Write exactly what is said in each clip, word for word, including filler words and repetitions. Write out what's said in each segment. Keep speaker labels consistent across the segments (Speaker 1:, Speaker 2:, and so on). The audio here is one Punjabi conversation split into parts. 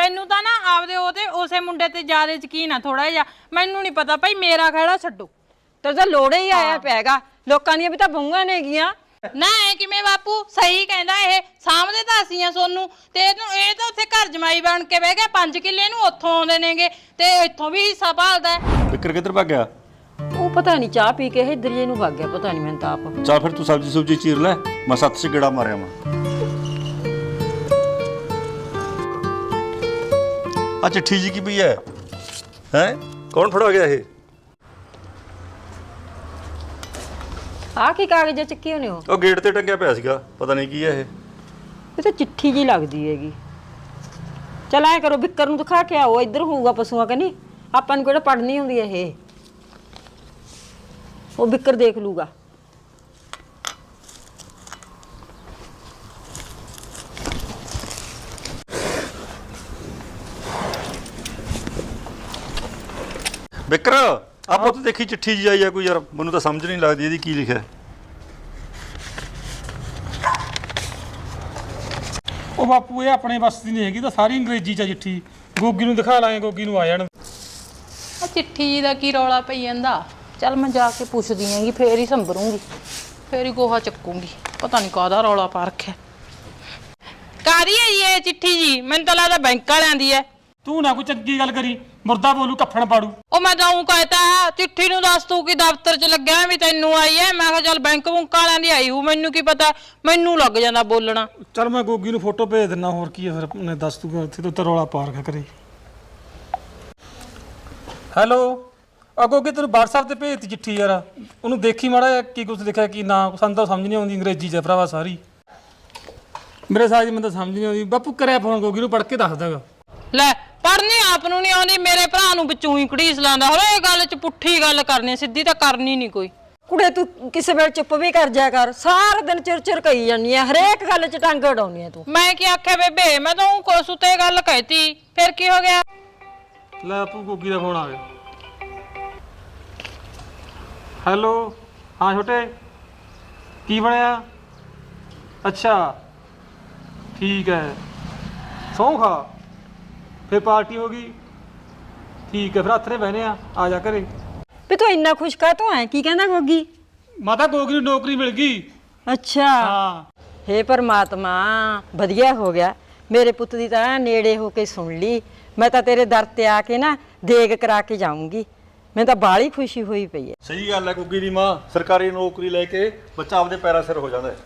Speaker 1: ਤੈਨੂੰ ਤਾਂ ਨਾ ਆਪਦੇ ਉਹਦੇ ਉਸੇ ਮੁੰਡੇ ਤੇ ਜ਼ਿਆਦਾ ਯਕੀਨ ਆ ਥੋੜਾ ਜਿਹਾ। ਮੈਨੂੰ ਨਹੀਂ ਪਤਾ ਭਾਈ, ਮੇਰਾ ਖਹਿੜਾ ਛੱਡੋ।
Speaker 2: ਤੇਰੇ ਤਾਂ ਲੋੜੇ ਹੀ ਆਇਆ ਪੈਗਾ, ਲੋਕਾਂ ਦੀਆਂ ਵੀ ਤਾਂ ਬਹੂਆਂ ਨੇਗੀਆਂ।
Speaker 1: ਨਾ ਐ ਕਿਵੇਂ ਬਾਪੂ, ਸਹੀ ਕਹਿੰਦਾ ਇਹ, ਸਾਹਮਣੇ ਤਾਂ ਅਸੀਂ ਆ ਸੋਨੂੰ ਤੇ ਇਹਨੂੰ ਇਹ ਤਾਂ ਉੱਥੇ ਘਰ ਜਮਾਈ ਬਣ ਕੇ ਬਹਿ ਗਿਆ। ਪੰਜ ਕਿੱਲੇ ਨੂੰ ਉੱਥੋਂ ਆਉਂਦੇ ਨੇਗੇ ਤੇ ਇੱਥੋਂ ਵੀ ਹਿੱਸਾ ਭਾਲਦਾ।
Speaker 3: ਵਿਕਰ ਕਿੱਧਰ ਭੱਗ ਗਿਆ?
Speaker 2: ਉਹ ਪਤਾ ਨਹੀਂ ਚਾਹ ਪੀ ਕੇ ਇੱਧਰ ਜੇ ਨੂੰ ਵਗ ਗਿਆ, ਪਤਾ ਨਹੀਂ ਮੈਨੂੰ ਤਾਂ ਆਪ।
Speaker 3: ਚੱਲ ਫਿਰ ਤੂੰ ਸਬਜ਼ੀ ਸੁਬਜੀ ਚੀਰ ਲੈ, ਮੈਂ ਸੱਤ ਚ ਗੇੜਾ ਮਾਰਿਆ ਵਾਂ। ਆ ਚਿੱਠੀ ਜੀ ਕੀ ਪਈ ਹੈ? ਹੈ ਕੌਣ ਫੜਾ ਗਿਆ ਇਹ?
Speaker 2: ਆਹ ਕੀ ਕਾਗਜ਼ ਚੱਕੀ ਹੋਣੇ ਹੋ?
Speaker 3: ਉਹ ਗੇਟ ਤੇ ਟੰਗਿਆ ਪਿਆ ਸੀਗਾ, ਪਤਾ ਨਹੀਂ ਕੀ ਹੈ ਇਹ।
Speaker 2: ਇਹ ਤਾਂ ਚਿੱਠੀ ਜੀ ਲੱਗਦੀ ਹੈਗੀ। ਚਲ ਐ ਕਰੋ, ਬਿੱਕਰ ਨੂੰ ਦਿਖਾ ਕੇ ਆਓ, ਇੱਧਰ ਹੋਊਗਾ ਪਸ਼ੂਆਂ ਕਨੀ। ਆਪਾਂ ਨੂੰ ਕਿਹੜਾ ਪੜਨੀ ਹੁੰਦੀ ਇਹ, ਉਹ ਬਿੱਕਰ ਦੇਖ ਲੂਗਾ।
Speaker 3: ਵਿਕਰ ਆ ਪੁੱਤ ਦੇਖੀ ਚਿੱਠੀ ਜੀ ਆਈ ਆ ਕੋਈ ਯਾਰ, ਮੈਨੂੰ ਤਾਂ ਸਮਝ ਨਹੀਂ ਲੱਗਦੀ ਇਹਦੀ ਕੀ ਲਿਖਿਆ।
Speaker 4: ਉਹ ਬਾਪੂ ਇਹ ਆਪਣੇ ਬਸ ਦੀ ਨਹੀਂ ਹੈਗੀ, ਤਾਂ ਸਾਰੀ ਅੰਗਰੇਜ਼ੀ ਚ ਚਿੱਠੀ। ਗੋਗੀ ਨੂੰ ਦਿਖਾ ਲਾਂਗੇ, ਗੋਗੀ ਨੂੰ ਆ ਜਾਣ।
Speaker 1: ਆ ਚਿੱਠੀ ਜੀ ਦਾ ਕੀ ਰੌਲਾ ਪਈ ਜਾਂਦਾ? ਚੱਲ ਮੈਂ ਜਾ ਕੇ ਪੁੱਛਦੀ ਆਂਗੀ, ਫੇਰ ਹੀ ਸੰਭਰੂੰਗੀ, ਫੇਰ ਹੀ ਗੋਹਾ ਚੱਕੂੰਗੀ। ਪਤਾ ਨਹੀਂ ਕਾਹਦਾ ਰੌਲਾ ਪਾ ਰੱਖਿਆ। ਕਾਹਦੀ ਹੈ ਜੀ ਇਹ ਚਿੱਠੀ ਜੀ? ਮੈਨੂੰ ਤਾਂ ਲੱਗਦਾ ਬੈਂਕ ਵਾਲਿਆਂ ਦੀ ਹੈ।
Speaker 4: ਤੂੰ ਨਾ ਕੋਈ ਚੰਗੀ ਗੱਲ ਕਰੀ, ਮੁਰਦਾ ਬੋਲੂ ਕੱਫਣ ਪਾੜੂ।
Speaker 1: ਉਹ ਮੈਂ ਤਾਂ ਉਹ ਕਹਿਤਾ ਚਿੱਠੀ ਨੂੰ ਦੱਸ ਤੂੰ ਕਿ ਦਫ਼ਤਰ 'ਚ ਲੱਗਿਆ ਵੀ ਤੈਨੂੰ ਆਈ ਹੈ। ਮੈਂ ਕਿਹਾ ਚੱਲ ਬੈਂਕ ਬੁੰਕ ਵਾਲਿਆਂ ਦੀ ਆਈ ਹੂ, ਮੈਨੂੰ ਕੀ ਪਤਾ, ਮੈਨੂੰ ਲੱਗ ਜਾਂਦਾ ਬੋਲਣਾ।
Speaker 4: ਚੱਲ ਮੈਂ ਗੋਗੀ ਨੂੰ ਫੋਟੋ ਭੇਜ ਦਿੰਦਾ, ਹੋਰ ਕੀ ਹੈ ਫਿਰ। ਉਹਨੇ ਦੱਸ ਤੂੰ ਇੱਥੇ ਤੋਂ ਰੌਲਾ ਪਾ ਰੱਖਿਆ ਕਰੇ। ਹੈਲੋ, ਆ ਗੋਗੀ ਤੈਨੂੰ WhatsApp ਤੇ ਭੇਜਤੀ ਚਿੱਠੀ ਯਾਰ, ਉਹਨੂੰ ਦੇਖੀ ਮਾੜਾ ਕੀ ਕੁਛ ਲਿਖਿਆ ਕੀ ਨਾ। ਸਾਨੂੰ ਤਾਂ ਸਮਝ ਨਹੀਂ ਆਉਂਦੀ ਅੰਗਰੇਜ਼ੀ 'ਚ ਭਰਾਵਾ ਸਾਰੀ। ਮੇਰੇ ਸਾਹ ਜੀ ਮੈਨੂੰ ਤਾਂ ਸਮਝ ਨਹੀਂ ਆਉਂਦੀ। ਬਾਪੂ ਕਰਿਆ ਫੋਨ ਗੋਗੀ ਨੂੰ, ਪੜ੍ਹ ਕੇ ਦੱਸ ਦਾਂਗਾ।
Speaker 1: ਲੈ ਪੜ੍ਹਨੀ ਆਪ ਨੂੰ ਨਹੀਂ ਆਉਂਦੀ, ਮੇਰੇ ਭਰਾ ਨੂੰ ਵਿੱਚੋਂ ਹੀ ਘੜੀਸ ਲਾਂਦਾ। ਹਰੇ ਗੱਲ 'ਚ ਪੁੱਠੀ ਗੱਲ ਕਰਨੀ, ਸਿੱਧੀ ਤਾਂ ਕਰਨੀ ਨਹੀਂ ਕੋਈ।
Speaker 2: ਕੁੜੇ ਤੂੰ ਕਿਸੇ ਵੇਲੇ ਚੁੱਪ ਵੀ ਕਰ ਜਾਇਆ ਕਰ, ਸਾਰਾ ਦਿਨ ਚਿਰ ਚਿਰ ਕਹੀ ਜਾਂਦੀ ਆ, ਹਰੇਕ ਗੱਲ 'ਚ ਟੰਗ ਅੜਾਉਣੀ ਆ ਤੂੰ।
Speaker 1: ਮੈਂ ਕੀ ਆਖਿਆ ਬੇਬੇ, ਮੈਂ ਤਾਂ ਉਹ ਕੋਸ ਉਤੇ ਗੱਲ ਕਹਿਤੀ, ਫਿਰ ਕੀ ਹੋ ਗਿਆ?
Speaker 4: ਲੈ ਬਾਪੂ ਗੋਗੀ ਦਾ ਫੋਨ ਆ ਗਿਆ। ਹੈਲੋ, ਹਾਂ ਛੋਟੇ, ਕੀ ਬਣਿਆ? ਅੱਛਾ ਠੀਕ ਹੈ, ਸਹੁੰ ਖਾ, ਫਿਰ ਪਾਰਟੀ ਹੋ ਗਈ। ਠੀਕ ਹੈ, ਫਿਰ ਹੱਥ ਨੇ ਬਹਿਨੇ ਆ, ਆ ਜਾ ਘਰੇ।
Speaker 2: ਵੀ ਤੂੰ ਇੰਨਾ ਖੁਸ਼ ਕਾ ਤੂੰ ਐ? ਕੀ ਕਹਿੰਦਾ ਗੋਗੀ?
Speaker 4: ਮਾਤਾ ਗੋਗੀ ਨੂੰ ਨੌਕਰੀ ਮਿਲ ਗਈ।
Speaker 2: ਅੱਛਾ,
Speaker 4: ਹਾਂ।
Speaker 2: ਹੇ ਪਰਮਾਤਮਾ, ਵਧੀਆ ਹੋ ਗਿਆ। ਮੇਰੇ ਪੁੱਤ ਦੀ ਤਾਂ ਨੇੜੇ ਹੋ ਕੇ ਸੁਣ ਲਈ। ਮੈਂ ਤਾਂ ਤੇਰੇ ਦਰ ਤੇ ਆ ਕੇ ਨਾ ਦੇਗ ਕਰਾ ਕੇ ਜਾਊਂਗੀ। ਮੈਨੂੰ ਤਾਂ ਬਾਹਲੀ ਖੁਸ਼ੀ ਹੋਈ ਪਈ ਹੈ।
Speaker 3: ਸਹੀ ਗੱਲ ਹੈ ਗੁੱਗੀ ਦੀ ਮਾਂ, ਸਰਕਾਰੀ ਨੌਕਰੀ ਲੈ ਕੇ ਬੱਚਾ ਆਪਦੇ ਪੈਰਾਂ ਸਿਰ ਹੋ ਜਾਂਦਾ ਹੈ।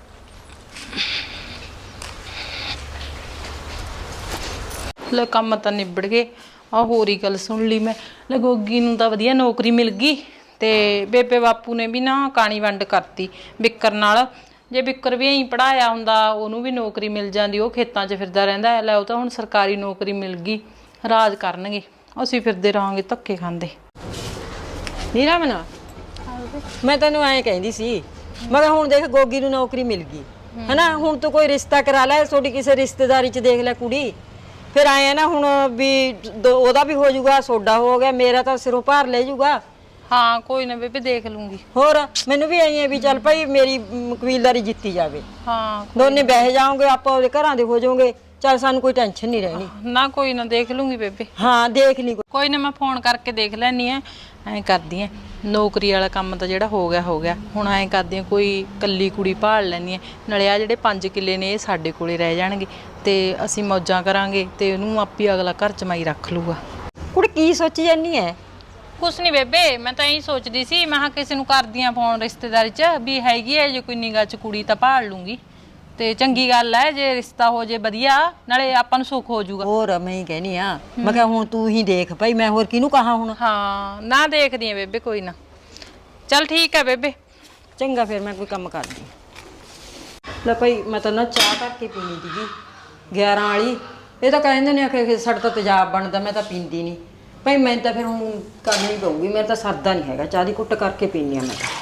Speaker 1: ਲੈ ਕੰਮ ਤਾਂ ਨਿਬੜ ਗਏ। ਆ ਹੋਰ ਹੀ ਗੱਲ ਸੁਣ ਲਈ ਮੈਂ। ਲੈ ਗੋਗੀ ਨੂੰ ਤਾਂ ਵਧੀਆ ਨੌਕਰੀ ਮਿਲ ਗਈ ਤੇ ਬੇਬੇ ਬਾਪੂ ਨੇ ਵੀ ਨਾ ਕਾਣੀ ਵੰਡ ਕਰਤੀ ਬਿੱਕਰ ਨਾਲ। ਜੇ ਬਿੱਕਰ ਵੀ ਐਂ ਪੜਾਇਆ ਹੁੰਦਾ ਉਹਨੂੰ ਵੀ ਨੌਕਰੀ ਮਿਲ ਜਾਂਦੀ, ਉਹ ਖੇਤਾਂ 'ਚ ਫਿਰਦਾ ਰਹਿੰਦਾ। ਲੈ ਉਹ ਤਾਂ ਹੁਣ ਸਰਕਾਰੀ ਨੌਕਰੀ ਮਿਲ ਗਈ, ਰਾਜ ਕਰਨਗੇ, ਅਸੀਂ ਫਿਰਦੇ ਰਹਾਂਗੇ ਧੱਕੇ ਖਾਂਦੇ।
Speaker 2: ਨੀਰਾ ਮਨਾ, ਮੈਂ ਤੈਨੂੰ ਐਂ ਕਹਿੰਦੀ ਸੀ, ਮੈਂ ਕਿਹਾ ਹੁਣ ਦੇਖ ਗੋਗੀ ਨੂੰ ਨੌਕਰੀ ਮਿਲ ਗਈ ਹਨਾ, ਹੁਣ ਤੂੰ ਕੋਈ ਰਿਸ਼ਤਾ ਕਰਾ ਲੈ, ਤੁਹਾਡੀ ਕਿਸੇ ਰਿਸ਼ਤੇਦਾਰੀ 'ਚ ਦੇਖ ਲੈ ਕੁੜੀ। ਫਿਰ ਆਏ ਆ ਨਾ ਹੁਣ ਵੀ ਉਹਦਾ ਵੀ ਹੋ ਜਾਊਗਾ, ਸੋਡਾ ਹੋ ਗਿਆ, ਮੇਰਾ ਤਾਂ ਸਿਰੋਂ ਭਾਰ ਲੈ ਜਾਊਗਾ।
Speaker 1: ਹਾਂ ਕੋਈ ਨਾ ਬੇਬੇ, ਦੇਖ ਲੂੰਗੀ।
Speaker 2: ਹੋਰ ਮੈਨੂੰ ਵੀ ਆਈ ਹੈ ਵੀ ਚੱਲ ਭਾਈ ਮੇਰੀ ਕਬੀਲਦਾਰੀ ਜਿੱਤੀ ਜਾਵੇ।
Speaker 1: ਹਾਂ
Speaker 2: ਦੋਨੇ ਬਹਿ ਜਾਓਗੇ, ਆਪਾਂ ਉਹਦੇ ਘਰਾਂ ਦੇ ਹੋ ਜਾਓਗੇ, ਚੱਲ ਸਾਨੂੰ ਕੋਈ ਟੈਨਸ਼ਨ ਨਹੀਂ ਰਹਿਣੀ।
Speaker 1: ਨਾ ਕੋਈ ਨਾ, ਦੇਖ ਲੂੰਗੀ ਬੇਬੇ।
Speaker 2: ਹਾਂ ਦੇਖ ਲਈ
Speaker 1: ਕੋਈ ਨਾ, ਮੈਂ ਫੋਨ ਕਰਕੇ ਦੇਖ ਲੈਣੀ ਆ। ਐਂ ਕਰਦੀ ਆ, ਨੌਕਰੀ ਵਾਲਾ ਕੰਮ ਤਾਂ ਜਿਹੜਾ ਹੋ ਗਿਆ ਹੋ ਗਿਆ, ਹੁਣ ਐਂ ਕਰਦੀ ਆ ਕੋਈ ਕੱਲੀ ਕੁੜੀ ਭਾਲ ਲੈਣੀ ਆ। ਨਾਲੇ ਆ ਜਿਹੜੇ ਪੰਜ ਕਿੱਲੇ ਨੇ ਇਹ ਸਾਡੇ ਕੋਲੇ ਰਹਿ ਜਾਣਗੇ ਤੇ ਅਸੀਂ ਮੌਜਾਂ ਕਰਾਂਗੇ ਤੇ ਉਹਨੂੰ ਆਪੀ ਅਗਲਾ ਘਰ ਜਮਾਈ ਰੱਖ ਲੂਗਾ।
Speaker 2: ਕੁੜੀ ਕੀ ਸੋਚੀ ਜਾਨੀ ਹੈ?
Speaker 1: ਕੁਛ ਨਹੀਂ ਬੇਬੇ, ਮੈਂ ਤਾਂ ਇਹੀ ਸੋਚਦੀ ਸੀ, ਮੈਂ ਕਿਹਾ ਕਿਸੇ ਨੂੰ ਕਰਦੀ ਆ ਫੋਨ ਰਿਸ਼ਤੇਦਾਰੀ 'ਚ ਵੀ ਹੈਗੀ ਹੈ ਜੇ ਕੋਈ ਨਿਗਾਹ 'ਚ ਕੁੜੀ ਤਾਂ ਭਾਲ ਲੂੰਗੀ ਤੇ ਚੰਗੀ ਗੱਲ ਹੈ ਜੇ ਰਿਸ਼ਤਾ ਹੋ ਜੇ ਵਧੀਆ, ਨਾਲੇ ਆਪਾਂ ਨੂੰ ਸੁੱਖ ਹੋ ਜਾਊਗਾ।
Speaker 2: ਹੋਰ ਮੈਂ ਹੀ ਕਹਿਨੀ ਆ, ਮੈਂ ਕਿਹਾ ਹੁਣ ਤੂੰ ਹੀ ਦੇਖ ਭਾਈ, ਮੈਂ ਹੋਰ ਕਿਹਨੂੰ ਕਹਾਂ ਹੁਣ।
Speaker 1: ਹਾਂ ਨਾ, ਦੇਖਦੀ ਆ ਬੇਬੇ, ਕੋਈ ਨਾ। ਚੱਲ ਠੀਕ ਹੈ ਬੇਬੇ,
Speaker 2: ਚੰਗਾ ਫਿਰ ਮੈਂ ਕੋਈ ਕੰਮ ਕਰਦੀ। ਲੈ ਭਾਈ ਮੈਂ ਤਾਂ ਨਾ ਚਾਹ ਕਰਕੇ ਪੀਣੀ ਸੀਗੀ ਗਿਆਰਾਂ ਵਾਲੀ। ਇਹ ਤਾਂ ਕਹਿੰਦੇ ਨੇ ਕਿ ਸਾਡਾ ਤਾਂ ਤੇਜ਼ਾਬ ਬਣਦਾ, ਮੈਂ ਤਾਂ ਪੀਂਦੀ ਨਹੀਂ ਭਾਈ। ਮੈਂ ਤਾਂ ਫਿਰ ਹੁਣ ਕਰਨੀ ਪਊਗੀ, ਮੇਰਾ ਤਾਂ ਸਰਦਾ ਨਹੀਂ ਹੈਗਾ, ਚਾਹ ਦੀ ਕੁੱਟ ਕਰਕੇ ਪੀਣੀ ਆ ਮੈਂ ਤਾਂ।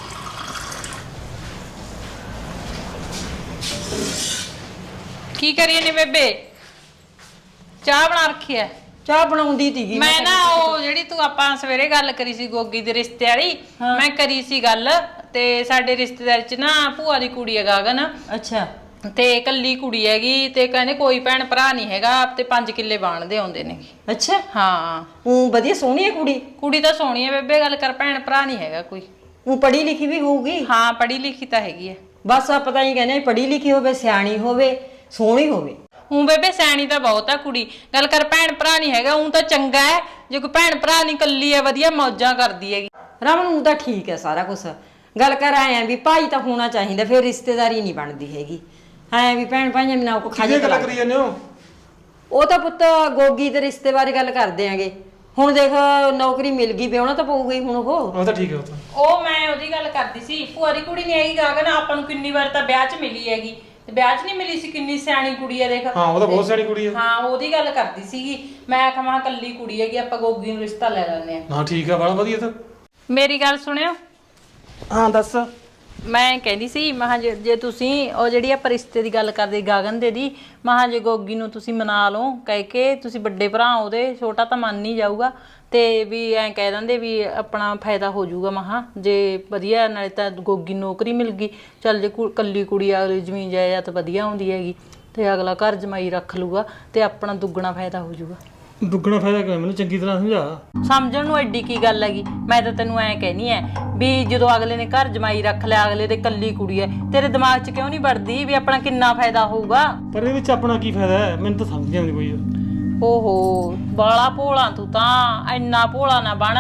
Speaker 1: ਕੀ ਕਰੀਏ ਨੇ ਬੇਬੇ? ਚਾਹ ਬਣਾ ਰੱਖੀ ਐ?
Speaker 2: ਚਾਹ ਬਣਾਉਂਦੀ ਸੀਗੀ
Speaker 1: ਮੈਂ ਨਾ, ਉਹ ਜਿਹੜੀ ਤੂੰ ਆਪਾਂ ਸਵੇਰੇ ਗੱਲ ਕਰੀ ਸੀ ਗੋਗੀ ਦੇ ਰਿਸ਼ਤੇ ਵਾਲੀ, ਮੈਂ ਕਰੀ ਸੀ ਗੱਲ ਤੇ ਸਾਡੇ ਰਿਸ਼ਤੇਦਾਰ 'ਚ ਨਾ ਭੂਆ ਦੀ ਕੁੜੀ ਹੈ ਗਗਨ।
Speaker 2: ਅੱਛਾ।
Speaker 1: ਤੇ ਕੱਲੀ ਕੁੜੀ ਹੈਗੀ ਤੇ ਕਹਿੰਦੇ ਕੋਈ ਭੈਣ ਭਰਾ ਨਹੀਂ ਹੈਗਾ ਤੇ ਪੰਜ ਕਿੱਲੇ ਬਾਣਦੇ ਆਉਂਦੇ ਨੇ।
Speaker 2: ਅੱਛਾ
Speaker 1: ਹਾਂ
Speaker 2: ਉਹ ਵਧੀਆ ਸੋਹਣੀ ਹੈ ਕੁੜੀ।
Speaker 1: ਕੁੜੀ ਤਾਂ ਸੋਹਣੀ ਹੈ ਬੇਬੇ, ਗੱਲ ਕਰ ਭੈਣ ਭਰਾ ਨਹੀਂ ਹੈਗਾ ਕੋਈ।
Speaker 2: ਉਹ ਪੜ੍ਹੀ ਲਿਖੀ ਵੀ ਹੋਊਗੀ।
Speaker 1: ਹਾਂ ਪੜ੍ਹੀ ਲਿਖੀ ਤਾਂ ਹੈਗੀ ਹੈ।
Speaker 2: ਬਸ ਆ ਪਤਾ ਹੀ ਕਹਿੰਦੇ ਪੜ੍ਹੀ ਲਿਖੀ ਹੋਵੇ, ਸਿਆਣੀ ਹੋਵੇ, ਸੋਹਣੀ ਹੋਵੇ।
Speaker 1: ਹੂੰ ਬੇਬੇ ਸਿਆਣੀ ਤਾਂ ਬਹੁਤ ਆ ਕੁੜੀ, ਗੱਲ ਕਰ ਭੈਣ ਭਰਾ ਨਹੀਂ ਹੈਗਾ। ਉਹ ਤਾਂ ਚੰਗਾ ਹੈ, ਜੇ ਕੋਈ ਭੈਣ ਭਰਾ ਨਹੀਂ ਕੱਲੀ ਹੈ ਵਧੀਆ ਮੌਜਾਂ ਕਰਦੀ ਹੈਗੀ।
Speaker 2: ਰਮਨ ਨੂੰ ਤਾਂ ਠੀਕ ਹੈ ਸਾਰਾ ਕੁਝ, ਗੱਲ ਕਰ ਆਏ ਆ ਵੀ ਭਾਈ ਤਾਂ ਹੋਣਾ ਚਾਹੀਦਾ, ਫਿਰ ਰਿਸ਼ਤੇਦਾਰੀ ਨਹੀਂ ਬਣਦੀ ਹੈਗੀ। ਐ ਵੀ ਭੈਣ ਭਾਈਆਂ ਬਿਨਾਂ ਕੋ ਖਾਜੇ
Speaker 4: ਗੱਲ ਕਰੀ ਜਾਂਦੇ ਹੋ?
Speaker 2: ਉਹ ਤਾਂ ਪੁੱਤ ਗੋਗੀ ਤੇ ਰਿਸ਼ਤੇ ਬਾਰੇ ਗੱਲ ਕਰਦੇ ਆਂਗੇ। ਹੁਣ ਦੇਖ ਨੌਕਰੀ ਮਿਲ ਗਈ, ਵਿਆਹਣਾ ਤਾਂ ਪਊਗਾ ਹੀ ਹੁਣ। ਉਹ
Speaker 4: ਉਹ ਤਾਂ ਠੀਕ ਹੈ। ਉਹ ਤਾਂ
Speaker 1: ਉਹ ਮੈਂ ਉਹਦੀ ਗੱਲ ਕਰਦੀ ਸੀ, ਭੂਆ ਦੀ ਕੁੜੀ ਨਹੀਂ ਹੈਗੀ ਗਾਗਨ, ਆਪਾਂ ਨੂੰ ਕਿੰਨੀ ਵਾਰ ਤਾਂ ਵਿਆਹ 'ਚ ਮਿਲੀ ਹੈਗੀ ਤੇ ਵਿਆਹ 'ਚ ਨਹੀਂ ਮਿਲੀ ਸੀ, ਕਿੰਨੀ ਸਿਆਣੀ ਕੁੜੀ ਹੈ ਦੇਖ।
Speaker 4: ਹਾਂ ਉਹ ਤਾਂ ਬਹੁਤ ਸਿਆਣੀ ਕੁੜੀ ਹੈ।
Speaker 1: ਹਾਂ ਉਹਦੀ ਗੱਲ ਕਰਦੀ ਸੀਗੀ ਮੈਂ, ਕਹਾਂ ਕੱਲੀ ਕੁੜੀ ਹੈਗੀ ਆਪਾਂ ਗੋਗੀ ਨੂੰ ਰਿਸ਼ਤਾ ਲੈ ਲੈਂਦੇ ਆ।
Speaker 4: ਹਾਂ ਠੀਕ ਆ, ਬੜਾ ਵਧੀਆ। ਤਾਂ
Speaker 1: ਮੇਰੀ ਗੱਲ ਸੁਣਿਓ।
Speaker 4: ਹਾਂ ਦੱਸ।
Speaker 1: ਮੈਂ ਕਹਿੰਦੀ ਸੀ ਮਹਾਂ ਜੇ ਜੇ ਤੁਸੀਂ ਉਹ ਜਿਹੜੀ ਆਪਾਂ ਰਿਸ਼ਤੇ ਦੀ ਗੱਲ ਕਰਦੇ ਗਾਗਨ ਦੇ ਦੀ, ਮਹਾਂ ਜੇ ਗੋਗੀ ਨੂੰ ਤੁਸੀਂ ਮਨਾ ਲਓ ਕਹਿ ਕੇ, ਤੁਸੀਂ ਵੱਡੇ ਭਰਾ ਉਹਦੇ, ਛੋਟਾ ਤਾਂ ਮੰਨ ਨਹੀਂ ਜਾਊਗਾ ਤੇ ਵੀ ਐਂ ਕਹਿ ਦਿੰਦੇ ਵੀ ਆਪਣਾ ਫਾਇਦਾ ਹੋ ਜਾਊਗਾ। ਮਹਾਂ ਜੇ ਵਧੀਆ ਨਾਲੇ ਤਾਂ ਗੋਗੀ ਨੌਕਰੀ ਮਿਲ ਗਈ, ਚੱਲ ਜੇ ਕੱਲੀ ਕੁੜੀ ਅਗਲੀ ਜ਼ਮੀਨ ਜਾਇਦਾਦ ਵਧੀਆ ਆਉਂਦੀ ਹੈਗੀ ਤੇ ਅਗਲਾ ਘਰ ਜਮਾਈ ਰੱਖ ਲੂਗਾ ਤੇ ਆਪਣਾ ਦੁੱਗਣਾ ਫਾਇਦਾ ਹੋ ਜਾਊਗਾ।
Speaker 4: ਦੁੱਗਣਾ ਫਾਇਦਾ ਕਿਵੇਂ, ਮੈਨੂੰ ਚੰਗੀ ਤਰ੍ਹਾਂ ਸਮਝਾ।
Speaker 1: ਸਮਝਣ ਨੂੰ ਐਡੀ ਕੀ ਗੱਲ ਹੈਗੀ, ਮੈਂ ਤਾਂ ਤੈਨੂੰ ਐਂ ਕਹਿਨੀ ਐ ਵੀ ਜਦੋਂ ਅਗਲੇ ਨੇ ਘਰ ਜਮਾਈ ਰੱਖ ਲਿਆ, ਅਗਲੇ ਦੇ ਕੱਲੀ ਕੁੜੀ ਐ, ਤੇਰੇ ਦਿਮਾਗ 'ਚ ਕਿਉਂ ਨਹੀਂ ਵੜਦੀ ਵੀ ਆਪਣਾ ਕਿੰਨਾ ਫਾਇਦਾ ਹੋਊਗਾ।
Speaker 4: ਪਰ ਇਹਦੇ ਵਿੱਚ ਆਪਣਾ ਕੀ ਫਾਇਦਾ ਹੈ, ਮੈਨੂੰ ਤਾਂ ਸਮਝ ਨਹੀਂ ਆਉਂਦੀ ਕੋਈ।
Speaker 1: ਓਹੋ ਬਾਲਾ ਭੋਲਾ ਤੂੰ ਤਾਂ, ਇੰਨਾ ਭੋਲਾ ਨਾ ਬਣ।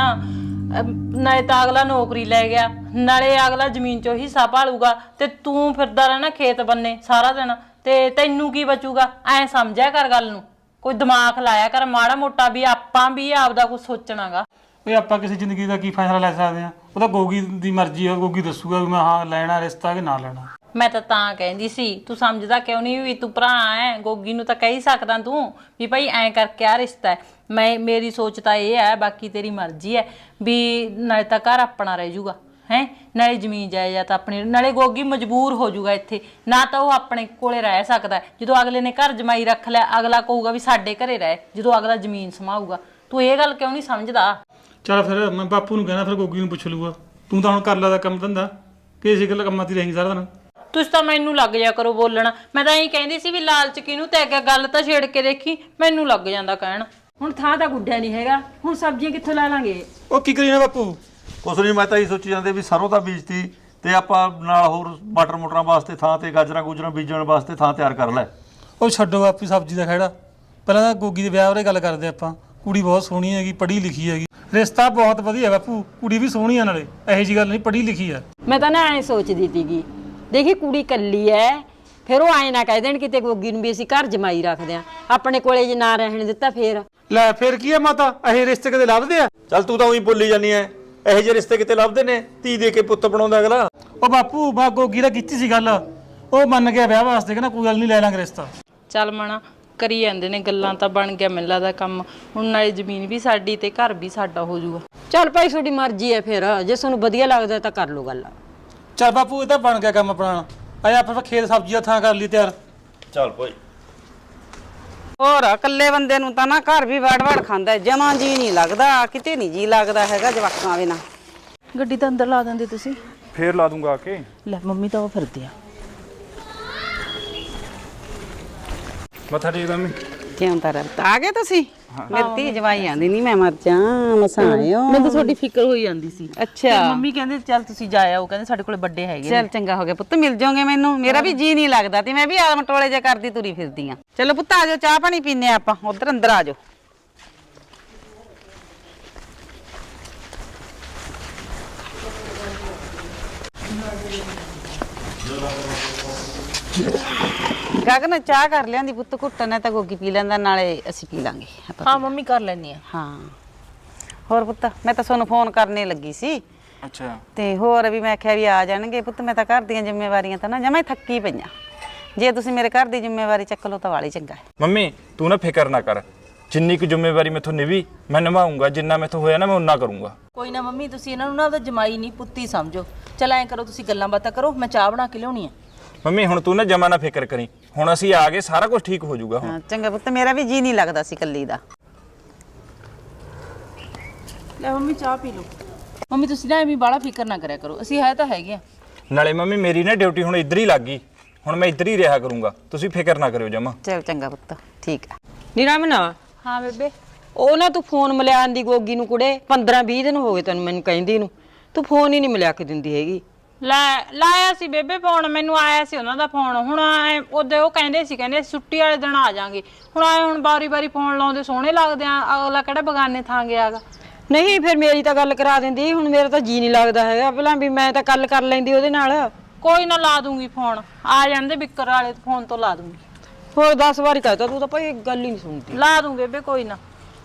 Speaker 1: ਨਾਲੇ ਤਾਂ ਅਗਲਾ ਨੌਕਰੀ ਲੈ ਗਿਆ, ਨਾਲੇ ਅਗਲਾ ਜ਼ਮੀਨ 'ਚੋਂ ਹਿੱਸਾ ਭਾਲੂਗਾ ਤੇ ਤੂੰ ਫਿਰਦਾ ਰਹਿਣਾ ਖੇਤ ਬੰਨੇ ਸਾਰਾ ਦਿਨ, ਤੇ ਤੈਨੂੰ ਕੀ ਬਚੂਗਾ। ਐਂ ਸਮਝਿਆ ਕਰ ਗੱਲ ਨੂੰ, ਕੋਈ ਦਿਮਾਗ ਲਾਇਆ ਕਰ ਮਾੜਾ ਮੋਟਾ, ਵੀ ਆਪਾਂ ਵੀ ਆਪਦਾ ਕੁਝ ਸੋਚਣਾਗਾ।
Speaker 4: ਓਏ ਆਪਾਂ ਕਿਸੇ ਜ਼ਿੰਦਗੀ ਦਾ ਕੀ ਫੈਸਲਾ ਲੈ ਸਕਦੇ ਆ, ਉਹ ਤਾਂ ਗੋਗੀ ਦੀ ਮਰਜ਼ੀ ਆ, ਗੋਗੀ ਦੱਸੂਗਾ ਵੀ ਮੈਂ ਹਾਂ ਲੈਣਾ ਰਿਸ਼ਤਾ ਕਿ ਨਾ ਲੈਣਾ।
Speaker 1: ਮੈਂ ਤਾਂ ਤਾਂ ਕਹਿੰਦੀ ਸੀ, ਤੂੰ ਸਮਝਦਾ ਕਿਉਂ ਨਹੀਂ ਵੀ ਤੂੰ ਭਰਾ ਐ, ਗੋਗੀ ਨੂੰ ਤਾਂ ਕਹਿ ਸਕਦਾ ਤੂੰ ਵੀ ਭਾਈ ਐਂ ਕਰਕੇ ਆ ਰਿਸ਼ਤਾ ਹੈ। ਮੈਂ ਮੇਰੀ ਸੋਚ ਤਾਂ ਇਹ ਹੈ, ਬਾਕੀ ਤੇਰੀ ਮਰਜ਼ੀ ਹੈ, ਵੀ ਨਾਲੇ ਤਾਂ ਘਰ ਆਪਣਾ ਰਹਿ ਜਾਊਗਾ ਹੈ, ਨਾਲੇ ਜ਼ਮੀਨ ਜਾਇਦਾਦ ਆਪਣੀ, ਨਾਲੇ ਗੋਗੀ ਮਜਬੂਰ ਹੋ ਜਾਊਗਾ ਇੱਥੇ, ਨਾ ਤਾਂ ਉਹ ਆਪਣੇ ਕੋਲੇ ਰਹਿ ਸਕਦਾ। ਜਦੋਂ ਅਗਲੇ ਨੇ ਘਰ ਜਮਾਈ ਰੱਖ ਲਿਆ, ਅਗਲਾ ਕਹੂਗਾ ਵੀ ਸਾਡੇ ਘਰੇ ਰਹਿ, ਜਦੋਂ ਅਗਲਾ ਜ਼ਮੀਨ ਸਮਾਊਗਾ। ਤੂੰ ਇਹ ਗੱਲ ਕਿਉਂ ਨਹੀਂ ਸਮਝਦਾ।
Speaker 4: ਚੱਲ ਫਿਰ ਮੈਂ ਬਾਪੂ ਨੂੰ ਕਹਿਣਾ, ਫਿਰ ਗੋਗੀ ਨੂੰ ਪੁੱਛ ਲੂਗਾ। ਤੂੰ ਤਾਂ ਹੁਣ ਕਰ ਲਾ ਦਾ ਕੰਮ ਧੰਦਾ, ਕਿ ਇਸੇ ਗੱਲ ਕੰਮਾਂ 'ਤੇ ਰਹੀ ਸਾਰਾ ਦਿਨ।
Speaker 1: ਤੁਸੀਂ ਤਾਂ ਮੈਨੂੰ ਲੱਗ ਜਾ ਕਰੋ ਬੋਲਣਾ, ਮੈਂ ਤਾਂ ਇਹੀ ਕਹਿੰਦੀ ਸੀ ਵੀ ਲਾਲਚ ਕਿਹਨੂੰ ਤੇ ਅੱਗੇ ਗੱਲ ਤਾਂ ਛੇੜ ਕੇ ਦੇਖੀ, ਮੈਨੂੰ ਲੱਗ ਜਾਂਦਾ ਕਹਿਣ।
Speaker 2: ਹੁਣ ਥਾਂ ਤਾਂ ਗੁੱਡਿਆ ਨਹੀਂ ਹੈਗਾ, ਹੁਣ ਸਬਜ਼ੀਆਂ ਕਿੱਥੋਂ ਲੈ ਲਾਂਗੇ।
Speaker 4: ਉਹ ਕੀ ਕਰੀ ਨਾ ਬਾਪੂ।
Speaker 3: ਕੁਛ ਨਹੀਂ, ਮੈਂ ਤਾਂ ਇਹ ਸੋਚੀ ਜਾਂਦੇ ਵੀ ਸਰੋਂ ਦਾ ਬੀਜਤੀ ਤੇ ਆਪਾਂ ਨਾਲ ਹੋਰ ਮਟਰ ਮੋਟਰਾਂ ਵਾਸਤੇ ਥਾਂ ਤੇ ਗਾਜਰਾਂ ਗੂਜਰਾਂ ਬੀਜਣ ਵਾਸਤੇ ਥਾਂ ਤਿਆਰ ਕਰ ਲੈ।
Speaker 4: ਉਹ ਛੱਡੋ ਆਪੀ ਸਬਜ਼ੀ ਦਾ ਖਹਿੜਾ, ਪਹਿਲਾਂ ਤਾਂ ਗੋਗੀ ਦੇ ਵਿਆਹ ਬਾਰੇ ਗੱਲ ਕਰਦੇ ਆਪਾਂ। ਕੁੜੀ ਬਹੁਤ ਸੋਹਣੀ ਹੈਗੀ, ਪੜ੍ਹੀ ਲਿਖੀ ਹੈਗੀ, ਰਿਸ਼ਤਾ ਬਹੁਤ ਵਧੀਆ ਬਾਪੂ, ਕੁੜੀ ਵੀ ਸੋਹਣੀ ਆ, ਨਾਲੇ ਇਹੋ ਜਿਹੀ ਗੱਲ ਨਹੀਂ, ਪੜ੍ਹੀ ਲਿਖੀ ਆ।
Speaker 2: ਮੈਂ ਤਾਂ ਨਾ ਐਂ ਸੋਚਦੀ ਸੀਗੀ, ਦੇਖੀ ਕੁੜੀ ਕੱਲੀ ਐ, ਫਿਰ ਉਹ ਐਂ ਨਾ ਕਹਿ ਦੇਣ ਕਿਤੇ ਗੋਗੀ ਨੂੰ ਵੀ ਅਸੀਂ ਘਰ ਜਮਾਈ ਰੱਖਦੇ ਆ, ਆਪਣੇ ਕੋਲੇ ਜੇ ਨਾ ਰਹਿਣ ਦਿੱਤਾ ਫੇਰ
Speaker 4: ਲੈ ਫਿਰ ਕੀ ਆ ਮਾਤਾ, ਇਹ ਰਿਸ਼ਤੇ ਕਦੇ ਲੱਭਦੇ ਆ?
Speaker 3: ਚੱਲ ਤੂੰ ਤਾਂ ਉਹੀ ਬੋਲੀ ਜਾਨੀ ਐ, ਇਹੋ ਜਿਹੇ ਰਿਸ਼ਤੇ ਕਿਤੇ ਲੱਭਦੇ ਨੇ, ਧੀ ਦੇ ਕੇ ਪੁੱਤ ਬਣਾਉਂਦਾ ਅਗਲਾ।
Speaker 4: ਉਹ ਬਾਪੂ ਬਾ ਗੋਗੀ ਦਾ ਕੀਤੀ ਸੀ ਗੱਲ, ਉਹ ਮੰਨ ਗਿਆ ਵਿਆਹ ਵਾਸਤੇ, ਕਹਿੰਦਾ ਕੋਈ ਗੱਲ ਨਹੀਂ ਲੈ ਲਾਂਗੇ ਰਿਸ਼ਤਾ।
Speaker 1: ਚੱਲ ਮਣਾ ਕਰੀ ਜਾਂਦੇ ਨੇ ਗੱਲਾਂ, ਤਾਂ ਬਣ ਗਿਆ ਮੈਨੂੰ ਲੱਗਦਾ ਕੰਮ ਹੁਣ, ਨਾਲੇ ਜ਼ਮੀਨ ਵੀ ਸਾਡੀ ਤੇ ਘਰ ਵੀ ਸਾਡਾ ਹੋ ਜਾਊਗਾ।
Speaker 2: ਚੱਲ ਭਾਈ ਤੁਹਾਡੀ ਮਰਜ਼ੀ ਐ, ਫਿਰ ਜੇ ਤੁਹਾਨੂੰ ਵਧੀਆ ਲੱਗਦਾ ਤਾਂ ਕਰ ਲਓ ਗੱਲ।
Speaker 4: ਚੱਲ ਬਾਪੂ ਇਹ ਤਾਂ ਬਣ ਗਿਆ ਕੰਮ ਆਪਣਾ, ਆਇਆ ਆਪਾਂ ਖੇਤ ਸਬਜ਼ੀ ਦਾ ਥਾਂ ਕਰ ਲਈ ਤਿਆਰ।
Speaker 3: ਚੱਲ ਭਾਈ।
Speaker 5: ਹੋਰ ਇਕੱਲੇ ਬੰਦੇ ਨੂੰ ਤਾਂ ਨਾ ਘਰ ਵੀ ਵੜ ਵੜ ਖਾਂਦਾ, ਜਮਾਂ ਜੀ ਨਹੀਂ ਲੱਗਦਾ, ਕਿਤੇ ਨਹੀਂ ਜੀ ਲੱਗਦਾ ਹੈਗਾ ਜਵਾਕਾਂ ਬਿਨਾਂ।
Speaker 6: ਗੱਡੀ ਤਾਂ ਅੰਦਰ ਲਾ ਦਿੰਦੇ ਤੁਸੀਂ।
Speaker 7: ਫੇਰ ਲਾ ਦੂੰਗਾ ਆ ਕੇ।
Speaker 6: ਲੈ ਮੰਮੀ ਤਾਂ ਉਹ ਫਿਰਦੇ ਆ।
Speaker 7: ਮੱਥਾ ਟੇਕ ਦਮੀ।
Speaker 5: ਕਿਉਂ ਤਾਂ ਰਤ ਆ ਗਏ ਤੁਸੀਂ? ਮੇਰੀ ਧੀ ਜਵਾਈ ਆਂਦੀ ਨਹੀਂ, ਮੈਂ ਮਰ ਜਾ ਮਸਾਂ ਆਇਓ।
Speaker 6: ਮੈਨੂੰ ਤਾਂ ਤੁਹਾਡੀ ਫਿਕਰ ਹੋਈ ਜਾਂਦੀ ਸੀ।
Speaker 5: ਅੱਛਾ
Speaker 6: ਮੰਮੀ ਕਹਿੰਦੇ ਚੱਲ ਤੁਸੀਂ ਜਾ ਆਓ, ਕਹਿੰਦੇ ਸਾਡੇ ਕੋਲ ਵੱਡੇ ਹੈਗੇ
Speaker 5: ਚੱਲ ਚੰਗਾ ਹੋ ਗਿਆ ਪੁੱਤ, ਮਿਲ ਜਾਓਗੇ ਮੈਨੂੰ, ਮੇਰਾ ਵੀ ਜੀ ਨਹੀਂ ਲੱਗਦਾ ਤੇ ਮੈਂ ਵੀ ਆਲਮ ਟੋਲੇ ਜੇ ਕਰਦੀ ਤੁਰੀ ਫਿਰਦੀ ਆ। ਚਲੋ ਪੁੱਤ ਆ ਜਾਓ, ਚਾਹ ਪਾਣੀ ਪੀਨੇ ਆਪਾਂ, ਉਧਰ ਅੰਦਰ ਆ ਜਾਓ। ਗਗਨ ਚਾਹ ਕਰ ਲਿਆਂਦੀ ਪੁੱਤ, ਘੁੱਟਣ ਨੇ ਤਾਂ ਗੋਗੀ ਪੀ ਲੈਂਦਾ, ਨਾਲੇ ਅਸੀਂ ਪੀ ਲਾਂਗੇ ਆਪਾਂ।
Speaker 6: ਹਾਂ ਮੰਮੀ ਕਰ ਲੈਣੀ ਆ।
Speaker 5: ਹਾਂ ਹੋਰ ਪੁੱਤ, ਮੈਂ ਤਾਂ ਤੁਹਾਨੂੰ ਫੋਨ ਕਰਨੇ ਲੱਗੀ ਸੀ।
Speaker 7: ਅੱਛਾ
Speaker 5: ਤੇ ਹੋਰ ਵੀ ਮੈਂ ਆਖਿਆ ਵੀ ਆ ਜਾਣਗੇ ਪੁੱਤ, ਮੈਂ ਤਾਂ ਘਰ ਦੀਆਂ ਜ਼ਿੰਮੇਵਾਰੀਆਂ ਤਾਂ ਨਾ ਜਮਾਂ ਹੀ ਥੱਕੀ ਪਈਆਂ, ਜੇ ਤੁਸੀਂ ਮੇਰੇ ਘਰ ਦੀ ਜ਼ਿੰਮੇਵਾਰੀ ਚੱਕ ਲਓ ਤਾਂ ਵਾਲੀ ਚੰਗਾ ਹੈ।
Speaker 7: ਮੰਮੀ ਤੂੰ ਨਾ ਫਿਕਰ ਨਾ ਕਰ, ਜਿੰਨੀ ਕੁ ਜ਼ਿੰਮੇਵਾਰੀ ਮੈਥੋਂ ਨਿਭੀ ਮੈਂ ਨਿਭਾਉਂਗਾ, ਜਿੰਨਾ ਮੈਥੋਂ ਹੋਇਆ ਨਾ ਮੈਂ ਉਨਾ ਕਰੂੰਗਾ।
Speaker 6: ਕੋਈ ਨਾ ਮੰਮੀ, ਤੁਸੀਂ ਇਹਨਾਂ ਨੂੰ ਨਾ ਉਹਦਾ ਜਮਾਈ ਨਹੀਂ ਪੁੱਤੀ ਸਮਝੋ। ਚੱਲ ਐਂ ਕਰੋ, ਤੁਸੀਂ ਗੱਲਾਂ ਬਾਤਾਂ ਕਰੋ, ਮੈਂ ਚਾਹ ਬਣਾ ਕੇ ਲਿਆਉਣੀ ਆ।
Speaker 7: ਮੰਮੀ ਹੁਣ ਤੂੰ ਨਾ ਜਮਾ ਨਾ ਫਿਕਰ ਕਰੀ, ਹੁਣ ਅਸੀਂ ਆ ਗਏ, ਸਾਰਾ ਕੁਝ ਠੀਕ ਹੋ ਜਾਊਗਾ ਹੁਣ।
Speaker 5: ਹਾਂ ਚੰਗਾ ਪੁੱਤ, ਮੇਰਾ ਵੀ ਜੀ ਨਹੀਂ ਲੱਗਦਾ ਸੀ ਕੱਲੀ ਦਾ।
Speaker 6: ਲੈ ਮੰਮੀ ਚਾਹ ਪੀ ਲਓ। ਮੰਮੀ ਤੁਸੀਂ ਨਾ ਐਵੇਂ ਬਾਹਲਾ ਫਿਕਰ ਨਾ ਕਰਿਆ ਕਰੋ, ਅਸੀਂ ਹੈ ਤਾਂ ਹੈਗੇ ਆ।
Speaker 7: ਨਾਲੇ ਮੰਮੀ ਮੇਰੀ ਨਾ ਡਿਊਟੀ ਹੁਣ ਇੱਧਰ ਹੀ ਲੱਗ ਗਈ, ਹੁਣ ਮੈਂ ਇੱਧਰ ਹੀ ਰਿਹਾ ਕਰੂੰਗਾ, ਤੁਸੀਂ ਫਿਕਰ ਨਾ ਕਰਿਓ ਜਮਾ।
Speaker 5: ਚਲ ਚੰਗਾ ਪੁੱਤ, ਠੀਕ ਆ।
Speaker 2: ਨੀ ਰਮਨ,
Speaker 1: ਹਾਂ ਬੇਬੇ।
Speaker 2: ਉਹ ਨਾ ਤੂੰ ਫੋਨ ਮਿਲਿਆਣ ਦੀ ਗੋਗੀ ਨੂੰ ਕੁੜੇ ਪੰਦਰਾਂ ਵੀਹ ਦਿਨ ਹੋ ਗਏ ਤੈਨੂੰ ਮੈਨੂੰ ਕਹਿੰਦੀ ਨੂੰ, ਤੂੰ ਫੋਨ ਹੀ ਨਹੀਂ ਮਿਲਿਆ ਕੇ ਦਿੰਦੀ ਹੈਗੀ।
Speaker 1: ਲੈ ਲਾਇਆ ਸੀ ਬੇਬੇ ਫੋਨ, ਮੈਨੂੰ ਆਇਆ ਸੀ ਉਹਨਾਂ ਦਾ ਫੋਨ। ਹੁਣ ਐ ਉਹਦੇ ਉਹ ਕਹਿੰਦੇ ਸੀ ਕਹਿੰਦੇ ਛੁੱਟੀ ਵਾਲੇ ਦਿਨ ਆ ਜਾਾਂਗੇ। ਹੁਣ ਆਏ ਹੁਣ ਬਾਰੀ ਬਾਰੀ ਫੋਨ ਲਾਉਂਦੇ ਸੋਹਣੇ ਲੱਗਦੇ ਆ, ਅਗਲਾ ਕਿਹੜਾ ਬਗਾਨੇ ਥਾਂ ਗਿਆਗਾ।
Speaker 2: ਨਹੀਂ ਫਿਰ ਮੇਰੀ ਤਾਂ ਗੱਲ ਕਰਾ ਦਿੰਦੀ, ਹੁਣ ਮੇਰਾ ਤਾਂ ਜੀ ਨਹੀਂ ਲੱਗਦਾ ਹੈਗਾ ਪਹਿਲਾਂ ਵੀ ਮੈਂ ਤਾਂ ਗੱਲ ਕਰ ਲੈਂਦੀ ਉਹਦੇ ਨਾਲ।
Speaker 1: ਕੋਈ ਨਾ ਲਾ ਦੂੰਗੀ ਫੋਨ, ਆ ਜਾਂਦੇ ਬਿੱਕਰ ਵਾਲੇ ਫੋਨ ਤੋਂ ਲਾ ਦੂੰਗੀ।
Speaker 2: ਹੋਰ ਦਸ ਵਾਰੀ ਕਹਤਾ ਤੂੰ ਤਾਂ ਭਾਈ ਗੱਲ ਹੀ ਨਹੀਂ ਸੁਣਦੀ।
Speaker 1: ਲਾ ਦੂੰ ਬੇਬੇ ਕੋਈ ਨਾ।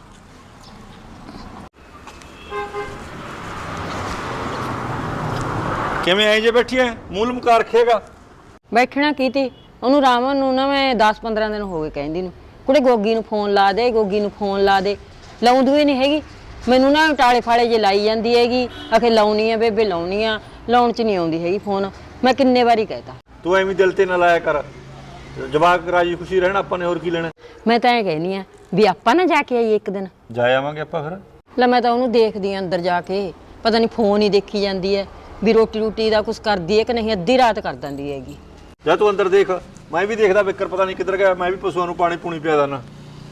Speaker 3: ਕਿਵੇਂ ਆਈ ਜੇ ਬੈਠੀ ਐ, ਮੂਲ ਮੁਕਾ ਰੱਖੇਗਾ?
Speaker 2: ਬੈਠਣਾ ਕੀ ਤੀ, ਉਹਨੂੰ ਰਾਮਨ ਨੂੰ ਨਾ ਮੈਂ ਦਸ ਪੰਦਰਾਂ ਦਿਨ ਹੋ ਗਏ ਕਹਿੰਦੀ ਨੂੰ, ਕੁੜੇ ਗੋਗੀ ਨੂੰ ਫੋਨ ਲਾ ਦੇ, ਗੋਗੀ ਨੂੰ ਫੋਨ ਲਾ ਦੇ। ਲਾਉਂਦੀ ਹੀ ਨਹੀਂ ਹੈਗੀ, ਮੈਨੂੰ ਨਾ ਟਾਲੇ ਫਾਲੇ ਜੇ ਲਾਈ ਜਾਂਦੀ ਹੈਗੀ, ਆਖੇ ਲਾਉਣੀ ਆ ਬੇਬੇ ਲਾਉਣੀ ਆ, ਲਾਉਣ ਚ ਨਹੀਂ ਆਉਂਦੀ ਹੈਗੀ ਫੋਨ। ਮੈਂ ਕਿੰਨੇ ਵਾਰੀ ਕਹਿਤਾ।
Speaker 3: ਤੂੰ ਐਵੇਂ ਦਿਲ ਤੇ ਨਾ ਲਾਇਆ ਕਰ, ਜਵਾਕ ਰਾਜੀ ਖੁਸ਼ੀ ਰਹਿਣਾ, ਆਪਾਂ ਨੇ ਹੋਰ ਕੀ ਲੈਣਾ।
Speaker 2: ਮੈਂ ਤਾਂ ਇਹ ਕਹਿਨੀ ਆ ਵੀ ਆਪਾਂ ਨਾ ਜਾ ਕੇ ਆਈਏ ਇੱਕ ਦਿਨ।
Speaker 3: ਜਾ ਆਵਾਂਗੇ ਆਪਾਂ ਫਿਰ।
Speaker 2: ਲੈ ਮੈਂ ਤਾਂ ਉਹਨੂੰ ਦੇਖਦੀ ਆ ਅੰਦਰ ਜਾ ਕੇ, ਪਤਾ ਨਹੀਂ ਫੋਨ ਹੀ ਦੇਖੀ ਜਾਂਦੀ ਹੈ ਵੀ ਰੋਟੀ ਰੋਟੀ ਦਾ ਕੁਝ ਕਰਦੀ ਹੈ ਕਿ ਨਹੀਂ, ਅੱਧੀ ਰਾਤ ਕਰ ਦਿੰਦੀ ਹੈਗੀ।
Speaker 3: ਜਾ ਤੂੰ ਅੰਦਰ ਦੇਖ, ਮੈਂ ਵੀ ਦੇਖਦਾ ਬਿੱਕਰ ਪਤਾ ਨਹੀਂ ਕਿੱਧਰ ਗਿਆ, ਮੈਂ ਵੀ ਪਸ਼ੂਆਂ ਨੂੰ ਪਾਣੀ ਪੂਣੀ ਪਿਆ ਦਾਨਾ।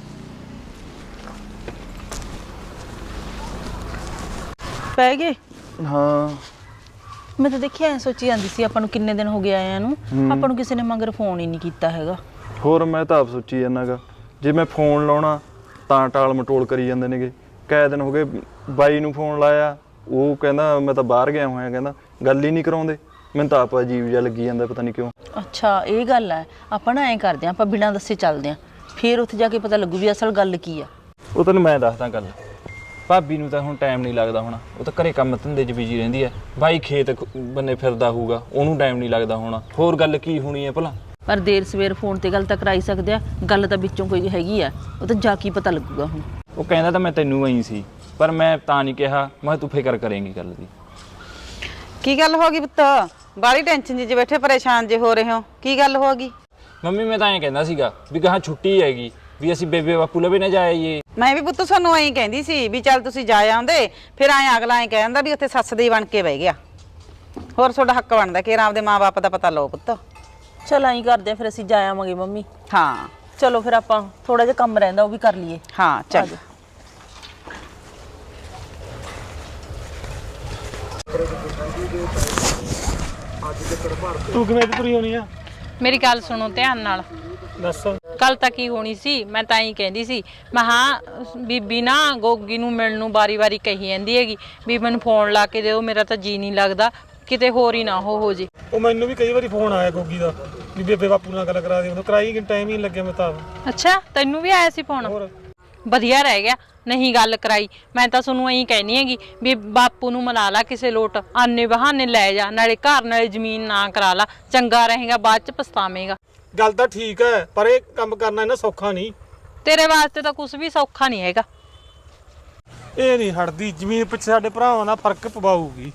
Speaker 6: ਪੈ ਗਏ?
Speaker 7: ਹਾਂ
Speaker 6: ਮੈਂ ਤਾਂ ਦੇਖਿਆ ਐ ਸੋਚੀ ਜਾਂਦੀ ਸੀ ਆਪਾਂ ਨੂੰ ਕਿੰਨੇ ਦਿਨ ਹੋ ਗਏ ਆਇਆਂ ਨੂੰ, ਆਪਾਂ ਨੂੰ ਕਿਸੇ ਨੇ ਮਗਰ ਫੋਨ ਹੀ ਨਹੀਂ ਕੀਤਾ ਹੈਗਾ।
Speaker 7: ਹੋਰ ਮੈਂ ਤਾਂ ਆਪ ਸੋਚੀ ਜਾਂਦਾਗਾ, ਜੇ ਮੈਂ ਫੋਨ ਲਾਉਣਾ ਤਾਂ ਟਾਲ ਮਟੋਲ ਕਰੀ ਜਾਂਦੇ ਨੇਗੇ। ਕਈ ਦਿਨ ਹੋ ਗਏ ਬਾਈ ਨੂੰ ਫੋਨ ਲਾਇਆ, ਉਹ ਕਹਿੰਦਾ ਮੈਂ ਤਾਂ ਬਾਹਰ ਗਿਆ ਹੋਇਆ, ਕਹਿੰਦਾ ਗੱਲ ਹੀ ਨਹੀਂ ਕਰਾਉਂਦੇ। ਮੈਨੂੰ ਤਾਂ ਆਪ ਅਜੀਬ ਜਿਹਾ ਲੱਗੀ ਜਾਂਦਾ, ਪਤਾ ਨਹੀਂ ਕਿਉਂ।
Speaker 6: ਅੱਛਾ ਇਹ ਗੱਲ ਹੈ, ਆਪਾਂ ਨਾ ਐਂ ਕਰਦੇ ਆਂ, ਆਪਾਂ ਬਿਨਾਂ ਦੱਸੇ ਚੱਲਦੇ ਆਂ, ਫਿਰ ਉੱਥੇ ਜਾ ਕੇ ਪਤਾ ਲੱਗੂ ਵੀ ਅਸਲ ਗੱਲ ਕੀ ਆ।
Speaker 7: ਉਹ ਤੈਨੂੰ ਮੈਂ ਦੱਸਦਾ ਗੱਲ, ਭਾਬੀ ਨੂੰ ਤਾਂ ਹੁਣ ਟਾਈਮ ਨਹੀਂ ਲੱਗਦਾ ਹੋਣਾ, ਉਹ ਤਾਂ ਘਰੇ ਕੰਮ ਧੰਦੇ 'ਚ ਬਿਜੀ ਰਹਿੰਦੀ ਹੈ। ਬਾਈ ਖੇਤ ਬੰਨੇ ਫਿਰਦਾ ਹੋਊਗਾ, ਉਹਨੂੰ ਟਾਈਮ ਨਹੀਂ ਲੱਗਦਾ ਹੋਣਾ। ਹੋਰ ਗੱਲ ਕੀ ਹੋਣੀ ਹੈ ਭਲਾ?
Speaker 6: ਪਰ ਦੇਰ ਸਵੇਰ ਫੋਨ ਤੇ ਗੱਲ ਤਾਂ ਕਰਾਈ ਸਕਦੇ ਆ, ਗੱਲ ਤਾਂ ਵਿੱਚੋਂ ਕੋਈ ਹੈਗੀ ਆ, ਉਹ ਤਾਂ ਜਾ ਕੇ ਪਤਾ ਲੱਗੂਗਾ ਹੁਣ।
Speaker 7: ਉਹ ਕਹਿੰਦਾ ਤਾਂ ਮੈਂ ਤੈਨੂੰ ਆਈ ਸੀ, ਪਰ ਮੈਂ ਤਾਂ ਨਹੀਂ ਕਿਹਾ, ਮੈਂ ਤੂੰ ਫਿਕਰ ਕਰੇਂਗੀ ਗੱਲ ਦੀ।
Speaker 5: ਕੀ ਗੱਲ ਹੋ ਗਈ ਪੁੱਤ? ਬਾਲੀ ਟੈਨਸ਼ਨ ਜੀ 'ਚ ਬੈਠੇ ਪਰੇਸ਼ਾਨ ਜੇ ਹੋ ਰਹੇ ਹੋ, ਕੀ ਗੱਲ ਹੋ ਗਈ?
Speaker 7: ਮੰਮੀ ਮੈਂ ਤਾਂ ਐਂ ਕਹਿੰਦਾ ਸੀਗਾ ਵੀ ਗਾਹਾਂ ਛੁੱਟੀ ਹੈਗੀ, ਵੀ ਅਸੀਂ ਬੇਬੇ ਬਾਪੂ ਲਵੇ ਨਾ ਜਾਈਏ।
Speaker 5: ਮੈਂ ਵੀ ਪੁੱਤ ਸਾਨੂੰ ਐਂ ਕਹਿੰਦੀ ਸੀ ਵੀ ਚੱਲ ਤੁਸੀਂ ਜਾ ਆਉਂਦੇ, ਫਿਰ ਐਂ ਅਗਲਾ ਐਂ ਕਹਿੰਦਾ ਵੀ ਉੱਥੇ ਸੱਸ ਦੇ ਬਣ ਕੇ ਬਹਿ ਗਿਆ। ਹੋਰ ਤੁਹਾਡਾ ਹੱਕ ਬਣਦਾ ਕਿ ਆਪਦੇ ਮਾਂ-ਬਾਪ ਦਾ ਪਤਾ ਲਓ ਪੁੱਤ।
Speaker 6: ਚਲ ਐਂ ਕਰਦੇ ਆ, ਫਿਰ ਅਸੀਂ ਜਾ ਆਵਾਂਗੇ ਮੰਮੀ।
Speaker 5: ਹਾਂ
Speaker 6: ਚਲੋ ਫਿਰ ਆਪਾਂ ਥੋੜਾ ਜਿਹਾ ਕੰਮ ਰਹਿੰਦਾ ਉਹ ਵੀ ਕਰ ਲਈਏ।
Speaker 5: ਹਾਂ ਚੱਲ।
Speaker 4: ਤੂੰ ਕਿਵੇਂ ਇੱਥੇ ਤੁਰੀ ਹੋਣੀ ਆ?
Speaker 1: ਮੇਰੀ ਗੱਲ ਸੁਣੋ ਧਿਆਨ ਨਾਲ।
Speaker 4: ਦੱਸ।
Speaker 1: ਕੱਲ ਤਾਂ ਕੀ ਹੋਣੀ ਸੀ, ਮੈਂ ਤਾਂ ਹੀ ਕਹਿੰਦੀ ਸੀ, ਮੈਂ ਹਾਂ ਬੀਬੀ ਨਾ ਗੋਗੀ ਨੂੰ ਮਿਲਣ ਨੂੰ ਵਾਰੀ ਵਾਰੀ ਕਹੀ ਜਾਂਦੀ ਹੈਗੀ ਵੀ ਮੈਨੂੰ ਫੋਨ ਲਾ ਕੇ ਦਿਓ, ਮੇਰਾ ਤਾਂ ਜੀ ਨਹੀਂ ਲੱਗਦਾ, ਕਿਤੇ ਹੋਰ ਹੀ ਨਾ ਹੋ ਹੋ ਜੇ।
Speaker 4: ਉਹ ਮੈਨੂੰ ਵੀ ਕਈ ਵਾਰੀ ਫੋਨ ਆਇਆ ਗੋਗੀ ਦਾ ਵੀ ਬੇਬੇ ਬਾਪੂ ਨਾਲ ਗੱਲ ਕਰਾ ਦੇ, ਉਹਨੂੰ ਕਰਾਈ ਕਿ ਟਾਈਮ ਹੀ ਨਹੀਂ ਲੱਗਿਆ। ਮੈਂ ਤਾਂ
Speaker 1: ਅੱਛਾ ਤੈਨੂੰ ਵੀ ਆਇਆ ਸੀ ਫੋਨ? ਵਧੀਆ ਰਹਿ ਗਿਆ ਨਹੀਂ ਗੱਲ ਕਰਾਈ। ਮੈਂ ਤਾਂ ਤੁਹਾਨੂੰ ਐਂ ਕਹਿਨੀ ਹੈਗੀ ਵੀ ਬਾਪੂ ਨੂੰ ਮਨਾ ਲਾ ਕਿਸੇ ਲੋਟ, ਆਨੇ ਬਹਾਨੇ ਲੈ ਜਾ, ਨਾਲੇ ਘਰ ਨਾਲੇ ਜ਼ਮੀਨ ਨਾ ਕਰਾ ਲਾ, ਚੰਗਾ ਰਹੇਗਾ, ਬਾਅਦ ਚ ਪਛਤਾਵੇਂਗਾ।
Speaker 4: ਗੱਲ ਤਾਂ ਠੀਕ ਹੈ, ਪਰ ਇਹ ਕੰਮ ਕਰਨਾ ਇਹਨਾਂ ਸੌਖਾ ਨਹੀਂ।
Speaker 1: ਤੇਰੇ ਵਾਸਤੇ ਤਾਂ ਕੁਝ ਵੀ ਸੌਖਾ ਨਹੀਂ ਹੈਗਾ।
Speaker 4: ਇਹ ਨਹੀਂ ਹਟਦੀ, ਜ਼ਮੀਨ ਪਿੱਛੇ ਸਾਡੇ ਭਰਾਵਾਂ ਦਾ ਫਰਕ ਪਵਾਊਗੀ।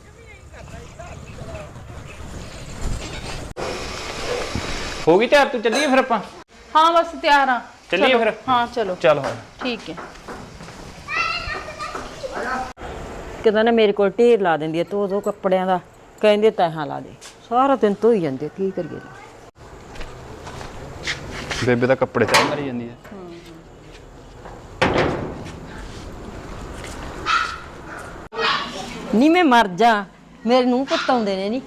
Speaker 7: ਹੋ ਗਈ ਤਿਆਰ, ਤੂੰ ਚੱਲੀਏ ਫਿਰ ਆਪਾਂ?
Speaker 1: ਹਾਂ ਬਸ ਤਿਆਰ ਆ,
Speaker 7: ਚੱਲੀਏ ਫਿਰ?
Speaker 1: ਹਾਂ ਚਲੋ
Speaker 7: ਚੱਲ ਹੁਣ
Speaker 1: ਠੀਕ ਹੈ।
Speaker 2: ਕਹਿੰਦਾ ਨਾ ਮੇਰੇ ਕੋਲ ਢੇਰ ਲਾ ਦਿੰਦੀ ਹੈ ਧੋ ਧੋ ਕੱਪੜਿਆਂ ਦਾ, ਕਹਿੰਦੇ ਤੈਹਾਂ ਲਾ ਦੇ, ਸਾਰਾ ਦਿਨ ਧੋਈ ਜਾਂਦੇ, ਕੀ ਕਰੀਏ।
Speaker 7: ਬੇਬੇ ਦਾ ਕੱਪੜੇ ਤੈਅ ਮਾਰੀ ਜਾਂਦੀ ਹੈ।
Speaker 2: ਨਹੀਂ ਮੈਂ ਮਰ ਜਾ, ਮੇਰੇ ਨੂੰ ਪੁੱਤ ਆਉਂਦੇ ਨੇ। ਨਹੀਂ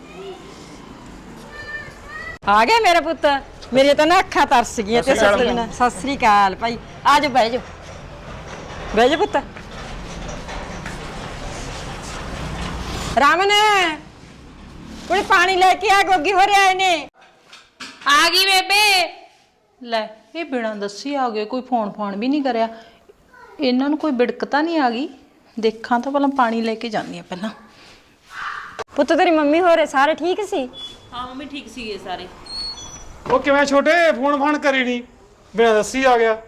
Speaker 2: ਆ ਗਿਆ ਮੇਰਾ ਪੁੱਤ, ਮੇਰੇ ਤਾਂ ਨਾ ਅੱਖਾਂ ਤਰਸ ਗਈਆਂ ਤੇ ਸੱਚੀ ਨਾ। ਸਤਿ ਸ੍ਰੀ ਅਕਾਲ ਭਾਈ, ਆ ਜਾ ਬਹਿ ਜਾ, ਬਹਿ ਜਾ ਪੁੱਤ। ਰਾਮਨ ਕੋਈ ਪਾਣੀ ਲੈ ਕੇ ਆ, ਗੋਗੀ ਹੋ ਰਿਹਾ ਨੇ।
Speaker 1: ਆ ਗਈ ਬੇਬੇ। ਲੈ ਇਹ ਬਿਨਾਂ ਦੱਸੀ ਆ ਗਏ, ਕੋਈ ਫੋਨ ਫੋਨ ਵੀ ਨਹੀਂ ਕਰਿਆ। ਇਹਨਾਂ ਨੂੰ ਕੋਈ ਬਿੜਕ ਤਾਂ ਨਹੀਂ ਆ ਗਈ? ਦੇਖਾਂ ਤਾਂ ਪਹਿਲਾਂ, ਪਾਣੀ ਲੈ ਕੇ ਜਾਂਦੀ ਆ ਪਹਿਲਾਂ।
Speaker 2: ਪੁੱਤ ਤੇਰੀ ਮੰਮੀ ਹੋ ਰਹੇ ਸਾਰੇ ਠੀਕ ਸੀ?
Speaker 6: ਹਾਂ ਮੰਮੀ ਠੀਕ ਸੀਗੇ ਸਾਰੇ।
Speaker 4: ਉਹ ਕਿਵੇਂ ਛੋਟੇ, ਫੋਨ ਫਾਨ ਕਰੀ ਨਹੀਂ, ਬਿਨਾਂ ਦੱਸੀ ਆ ਗਿਆ।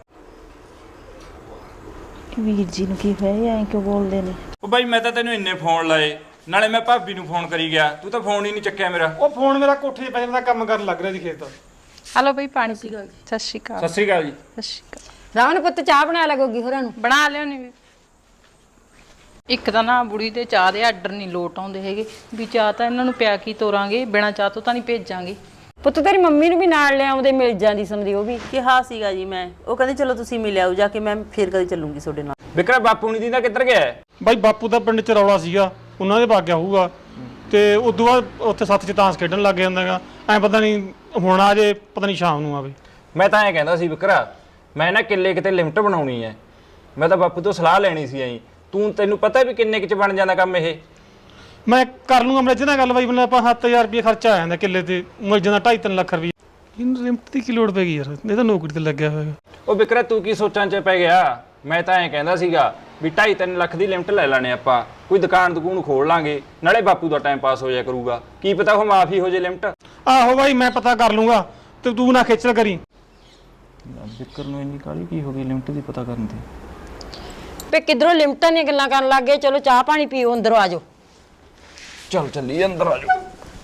Speaker 6: ਵੀਰ ਜੀ ਨੂੰ ਕੀ ਹੋਇਆ, ਐਂ ਕਿਉਂ ਬੋਲਦੇ ਨੇ?
Speaker 7: ਉਹ ਬਾਈ ਮੈਂ ਤਾਂ ਤੈਨੂੰ ਇੰਨੇ ਫੋਨ ਲਾਏ, ਨਾਲੇ ਮੈਂ ਭਾਬੀ ਨੂੰ ਫੋਨ ਕਰੀ ਗਿਆ, ਤੂੰ ਤਾਂ ਫੋਨ ਹੀ ਨਹੀਂ ਚੱਕਿਆ ਮੇਰਾ।
Speaker 4: ਉਹ ਫੋਨ ਮੇਰਾ ਕੋਠੇ 'ਤੇ ਪੈ ਜਾਂਦਾ, ਕੰਮ ਕਰਨ ਲੱਗ ਰਿਹਾ ਜੀ ਖੇਤ।
Speaker 1: ਹਲੋ ਬਈ ਪਾਣੀ ਪੀ। ਸਤਿ ਸ਼੍ਰੀ ਅਕਾਲ।
Speaker 7: ਸਤਿ ਸ੍ਰੀ ਅਕਾਲ ਜੀ।
Speaker 1: ਸਤਿ ਸ਼੍ਰੀ ਅਕਾਲ।
Speaker 2: ਰਾਮਨ ਪੁੱਤ ਚਾਹ ਬਣਾ ਲੈ ਗੋਗੀ ਹੋਰਾਂ ਨੂੰ।
Speaker 1: ਬਣਾ ਲਿਓ ਨੀ। ਇੱਕ ਤਾਂ ਨਾ ਬੁੜੀ ਦੇ ਚਾਹ ਦੇ ਆਰਡਰ ਨਹੀਂ ਲੋਟ ਆਉਂਦੇ ਹੈਗੇ, ਵੀ ਚਾਹ ਤਾਂ ਇਹਨਾਂ ਨੂੰ ਪਿਆ ਕੀ ਤੋਰਾਂਗੇ, ਬਿਨਾਂ ਚਾਹ ਤੋਂ ਤਾਂ ਨਹੀਂ ਭੇਜਾਂਗੇ।
Speaker 2: ਪੁੱਤ ਤੇਰੀ ਮੰਮੀ ਨੂੰ ਵੀ ਨਾਲ ਲਿਆਉਂਦੇ ਮਿਲ ਜਾਂਦੀ ਸਮਝੀ ਉਹ ਵੀ।
Speaker 6: ਕਿਹਾ ਸੀਗਾ ਜੀ ਮੈਂ, ਉਹ ਕਹਿੰਦੇ ਚਲੋ ਤੁਸੀਂ ਮਿਲ ਆਓ ਜਾ ਕੇ, ਮੈਂ ਫੇਰ ਕਦੇ ਚੱਲੂੰਗੀ ਤੁਹਾਡੇ ਨਾਲ।
Speaker 8: ਵਿਕਰਾ ਬਾਪੂ ਨਹੀਂ ਦਿੰਦਾ ਕਿੱਧਰ ਗਿਆ ਹੈ?
Speaker 4: ਬਾਈ ਬਾਪੂ ਦਾ ਪਿੰਡ ਚ ਰੌਲਾ ਸੀਗਾ, ਉਹਨਾਂ ਦੇ ਬਾਗਿਆ ਹੋਊਗਾ ਤੇ ਉਦੋਂ ਬਾਅਦ ਉੱਥੇ ਸੱਤ ਚ ਤਾਂਸ ਖੇਡਣ ਲੱਗ ਜਾਂਦਾਗਾ। ਐ ਪਤਾ ਨਹੀਂ ਹੁਣ ਆ ਜੇ, ਪਤਾ ਨਹੀਂ ਸ਼ਾਮ ਨੂੰ ਆਵੇ।
Speaker 8: ਮੈਂ ਤਾਂ ਐਂ ਕਹਿੰਦਾ ਸੀ ਵਿਕਰਾ, ਮੈਂ ਨਾ ਕਿੱਲੇ ਕਿਤੇ ਲਿਮਟ ਬਣਾਉਣੀ ਹੈ। ਮੈਂ ਤਾਂ ਬਾਪੂ ਤੋਂ ਸਲਾਹ ਲੈਣੀ ਸੀ ਐਂ। ਤੂੰ ਤੈਨੂੰ ਪਤਾ ਵੀ ਕਿੰਨੇ ਕੁ ਚ ਬਣ ਜਾਂਦਾ ਕੰਮ ਇਹ?
Speaker 4: ਮੈਂ ਕਰ ਲੂੰਗਾ ਮੇਰੇ ਨਾਲ ਗੱਲ ਬਾਈ, ਮਤਲਬ ਆਪਾਂ ਸੱਤ ਹਜ਼ਾਰ ਰੁਪਏ ਖਰਚਾ ਆ ਜਾਂਦਾ ਕਿੱਲੇ ਤੇ, ਮਿਲ ਜਾਂਦਾ ਢਾਈ ਤਿੰਨ ਲੱਖ ਰੁਪਏ। ਇਹਨੂੰ ਲਿਮਟ ਦੀ ਕੀ ਲੋੜ ਪੈ ਗਈ ਯਾਰ, ਇਹ ਤਾਂ ਨੌਕਰੀ ਤੇ ਲੱਗਿਆ ਹੋਇਆ।
Speaker 8: ਉਹ ਵਿਕਰਾ ਤੂੰ ਕੀ ਸੋਚਾਂ ਚ ਪੈ ਗਿਆ? ਮੈਂ ਤਾਂ ਐਂ ਕਹਿੰਦਾ ਸੀਗਾ ਵੀ ਢਾਈ ਤਿੰਨ ਲੱਖ ਦੀ ਲਿਮਟ ਲੈ ਲੈਣੇ ਆਪਾਂ, ਕੋਈ ਦੁਕਾਨ ਦੁਕਾਨ ਖੋਲ ਲਾਂਗੇ, ਨਾਲੇ ਬਾਪੂ ਦਾ ਟਾਈਮ ਪਾਸ ਹੋ ਜਾਇਆ ਕਰੂਗਾ। ਕੀ ਪਤਾ ਉਹ ਮਾਫੀ ਹੋ ਜੇ ਲਿਮਟ।
Speaker 4: ਆਹੋ ਬਾਈ ਮੈਂ ਪਤਾ ਕਰ ਲੂੰਗਾ, ਤੇ ਤੂੰ ਨਾ ਖੇਚਲ ਕਰੀ।
Speaker 7: ਵਿਕਰ ਨੂੰ ਇੰਨੀ ਕਾਹਲੀ ਕੀ ਹੋ ਗਈ ਲਿਮਟ ਦੀ ਪਤਾ ਕਰਨ ਦੀ?
Speaker 2: ਵੇ ਕਿਧਰੋਂ ਲਿਮਟਾਂ ਦੀਆਂ ਗੱਲਾਂ ਕਰਨ ਲੱਗ ਗਏ। ਚਲੋ ਚਾਹ ਪਾਣੀ ਪੀਓ, ਅੰਦਰੋਂ ਆ ਜਾਓ।
Speaker 7: ਚੱਲ ਚੱਲੀ ਅੰਦਰ ਆ ਜਾ।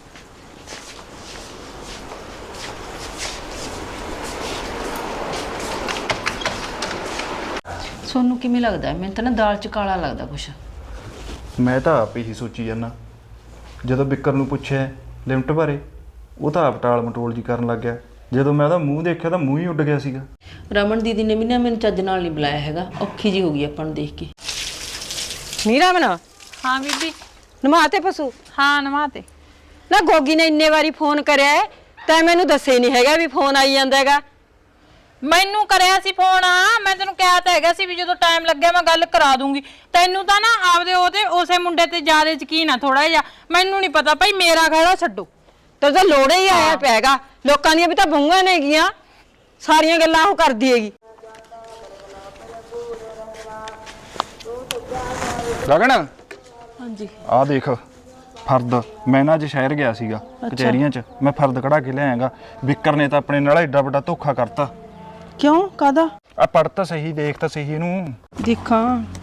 Speaker 6: ਤੁਹਾਨੂੰ ਕਿਵੇਂ ਲੱਗਦਾ? ਮੈਨੂੰ ਤਾਂ ਨਾ ਦਾਲ ਚ ਕਾਲਾ ਲੱਗਦਾ ਕੁਛ।
Speaker 7: ਮੈਂ ਤਾਂ ਆਪ ਹੀ ਸੋਚੀ ਜਾਂਦਾ, ਜਦੋਂ ਵਿਕਰ ਨੂੰ ਪੁੱਛਿਆ ਲਿਮਟ ਬਾਰੇ ਉਹ ਤਾਂ ਆਪ ਟਾਲ ਮਟੋਲ ਜੀ ਕਰਨ ਲੱਗ ਗਿਆ। ਜਦੋਂ ਮੈਂ ਉਹਦਾ ਮੂੰਹ ਦੇਖਿਆ ਤਾਂ ਮੂੰਹ ਹੀ ਉੱਡ ਗਿਆ ਸੀਗਾ।
Speaker 6: ਰਮਨ ਦੀਦੀ ਨੇ ਵੀ ਨਾ ਮੈਨੂੰ ਚੱਜ ਨਾਲ ਨਹੀਂ ਬੁਲਾਇਆ ਹੈਗਾ, ਔਖੀ ਜੀ ਹੋ ਗਈ ਆਪਾਂ ਨੂੰ ਦੇਖ ਕੇ।
Speaker 2: ਨੀਰਾ ਬਣਾ
Speaker 1: ਹਾਂ ਬੀਬੀ।
Speaker 2: ਨਮਾਤੇ ਪਸ਼ੂ
Speaker 1: ਹਾਂ ਨਵਾਤੇ।
Speaker 2: ਨਾ ਗੋਗੀ ਨੇ ਇੰਨੇ ਵਾਰੀ ਫੋਨ ਕਰਿਆ ਤੈਂ ਮੈਨੂੰ ਦੱਸੇ ਨਹੀਂ ਹੈਗਾ ਵੀ ਫੋਨ ਆਈ ਜਾਂਦਾ ਹੈਗਾ।
Speaker 1: ਮੈਨੂੰ ਕਰਿਆ ਸੀ ਫੋਨ, ਆ ਮੈਂ ਤੈਨੂੰ ਕਿਹਾ ਤਾਂ ਹੈਗਾ ਸੀ ਵੀ ਜਦੋਂ ਟਾਈਮ ਲੱਗਿਆ ਮੈਂ ਗੱਲ ਕਰਾ ਦੂੰਗੀ। ਤੈਨੂੰ ਤਾਂ ਨਾ ਆਪਦੇ ਉਹਦੇ ਉਸੇ ਮੁੰਡੇ ਤੇ ਜ਼ਿਆਦਾ ਯਕੀਨ ਆ ਥੋੜਾ ਜਿਹਾ, ਮੈਨੂੰ ਨਹੀਂ ਪਤਾ ਭਾਈ, ਮੇਰਾ ਖੜਾ ਛੱਡੋ।
Speaker 2: ਤੇ ਤਾਂ ਲੋੜੇ ਹੀ ਆਇਆ ਪੈਗਾ, ਲੋਕਾਂ ਦੀਆਂ ਵੀ ਤਾਂ ਬਹੂਆਂ ਨੇਗੀਆਂ, ਸਾਰੀਆਂ ਗੱਲਾਂ ਉਹ ਕਰਦੀ ਹੈਗੀ।
Speaker 7: ਗਗਨ
Speaker 6: ਹਾਂਜੀ
Speaker 7: ਆ ਦੇਖ ਫਰਦ, ਮੈਂ ਨਾ ਅੱਜ ਸ਼ਹਿਰ ਗਿਆ ਸੀਗਾ ਕਚਹਿਰੀਆਂ 'ਚ, ਮੈਂ ਫਰਦ ਕਢਾ ਕੇ ਲਿਆਇਆਗਾ। ਵਿਕਰ ਨੇ ਤਾਂ ਆਪਣੇ ਨਾਲ ਐਡਾ ਵੱਡਾ ਧੋਖਾ ਕਰਤਾ।
Speaker 6: ਕਿਉਂ? ਕਾਦਾ?
Speaker 7: ਆ ਪੜ੍ਹ ਤਾਂ ਸਹੀ, ਦੇਖ ਤਾਂ ਸਹੀ ਇਹਨੂੰ।
Speaker 6: ਦੇਖਾਂ,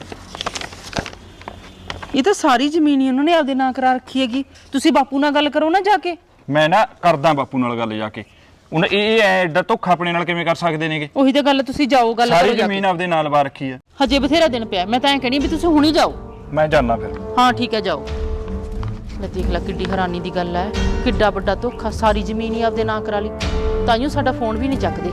Speaker 6: ਇਹ ਤਾਂ ਸਾਰੀ ਜ਼ਮੀਨ ਹੀ ਉਹਨਾਂ ਨੇ ਆਪਦੇ ਨਾਂ ਕਰਾ ਰੱਖੀ ਹੈਗੀ। ਤੁਸੀਂ ਬਾਪੂ ਨਾਲ ਗੱਲ ਕਰੋ ਨਾ ਜਾ ਕੇ।
Speaker 7: ਮੈਂ ਨਾ ਕਰਦਾ ਬਾਪੂ ਨਾਲ ਗੱਲ ਜਾ ਕੇ। ਹੁਣ ਇਹ ਇਹ ਐਡਾ ਧੋਖਾ ਆਪਣੇ ਨਾਲ ਕਿਵੇਂ ਕਰ ਸਕਦੇ ਨੇਗੇ?
Speaker 6: ਉਹੀ ਤਾਂ ਗੱਲ, ਤੁਸੀਂ ਜਾਓ ਗੱਲ
Speaker 7: ਸਾਰੀ
Speaker 6: ਕਰੋ ਜਾ
Speaker 7: ਜ਼ਮੀਨ ਆਪਦੇ ਨਾਲ ਵਾ ਰੱਖੀ ਆ।
Speaker 6: ਕੇ। ਹਜੇ ਬਥੇਰਾ ਦਿਨ ਪਿਆ, ਮੈਂ ਤਾਂ ਐਂ ਕਹਿਣੀ ਵੀ ਤੁਸੀਂ ਹੁਣੀ ਜਾਓ।
Speaker 7: ਮੈਂ ਜਾਣਾ ਫਿਰ।
Speaker 6: ਹਾਂ ਠੀਕ ਹੈ ਜਾਓ। ਲੈ ਦੇਖ ਲੈ ਕਿੱਡੀ ਹੈਰਾਨੀ ਦੀ ਗੱਲ ਹੈ, ਕਿੱਡਾ ਵੱਡਾ ਧੋਖਾ, ਸਾਰੀ ਜ਼ਮੀਨ ਹੀ ਆਪਦੇ ਨਾਂ ਕਰਾ ਲਈ। ਤਾਈਓ ਸਾਡਾ ਫੋਨ ਵੀ ਨਹੀਂ ਚੱਕਦੇ।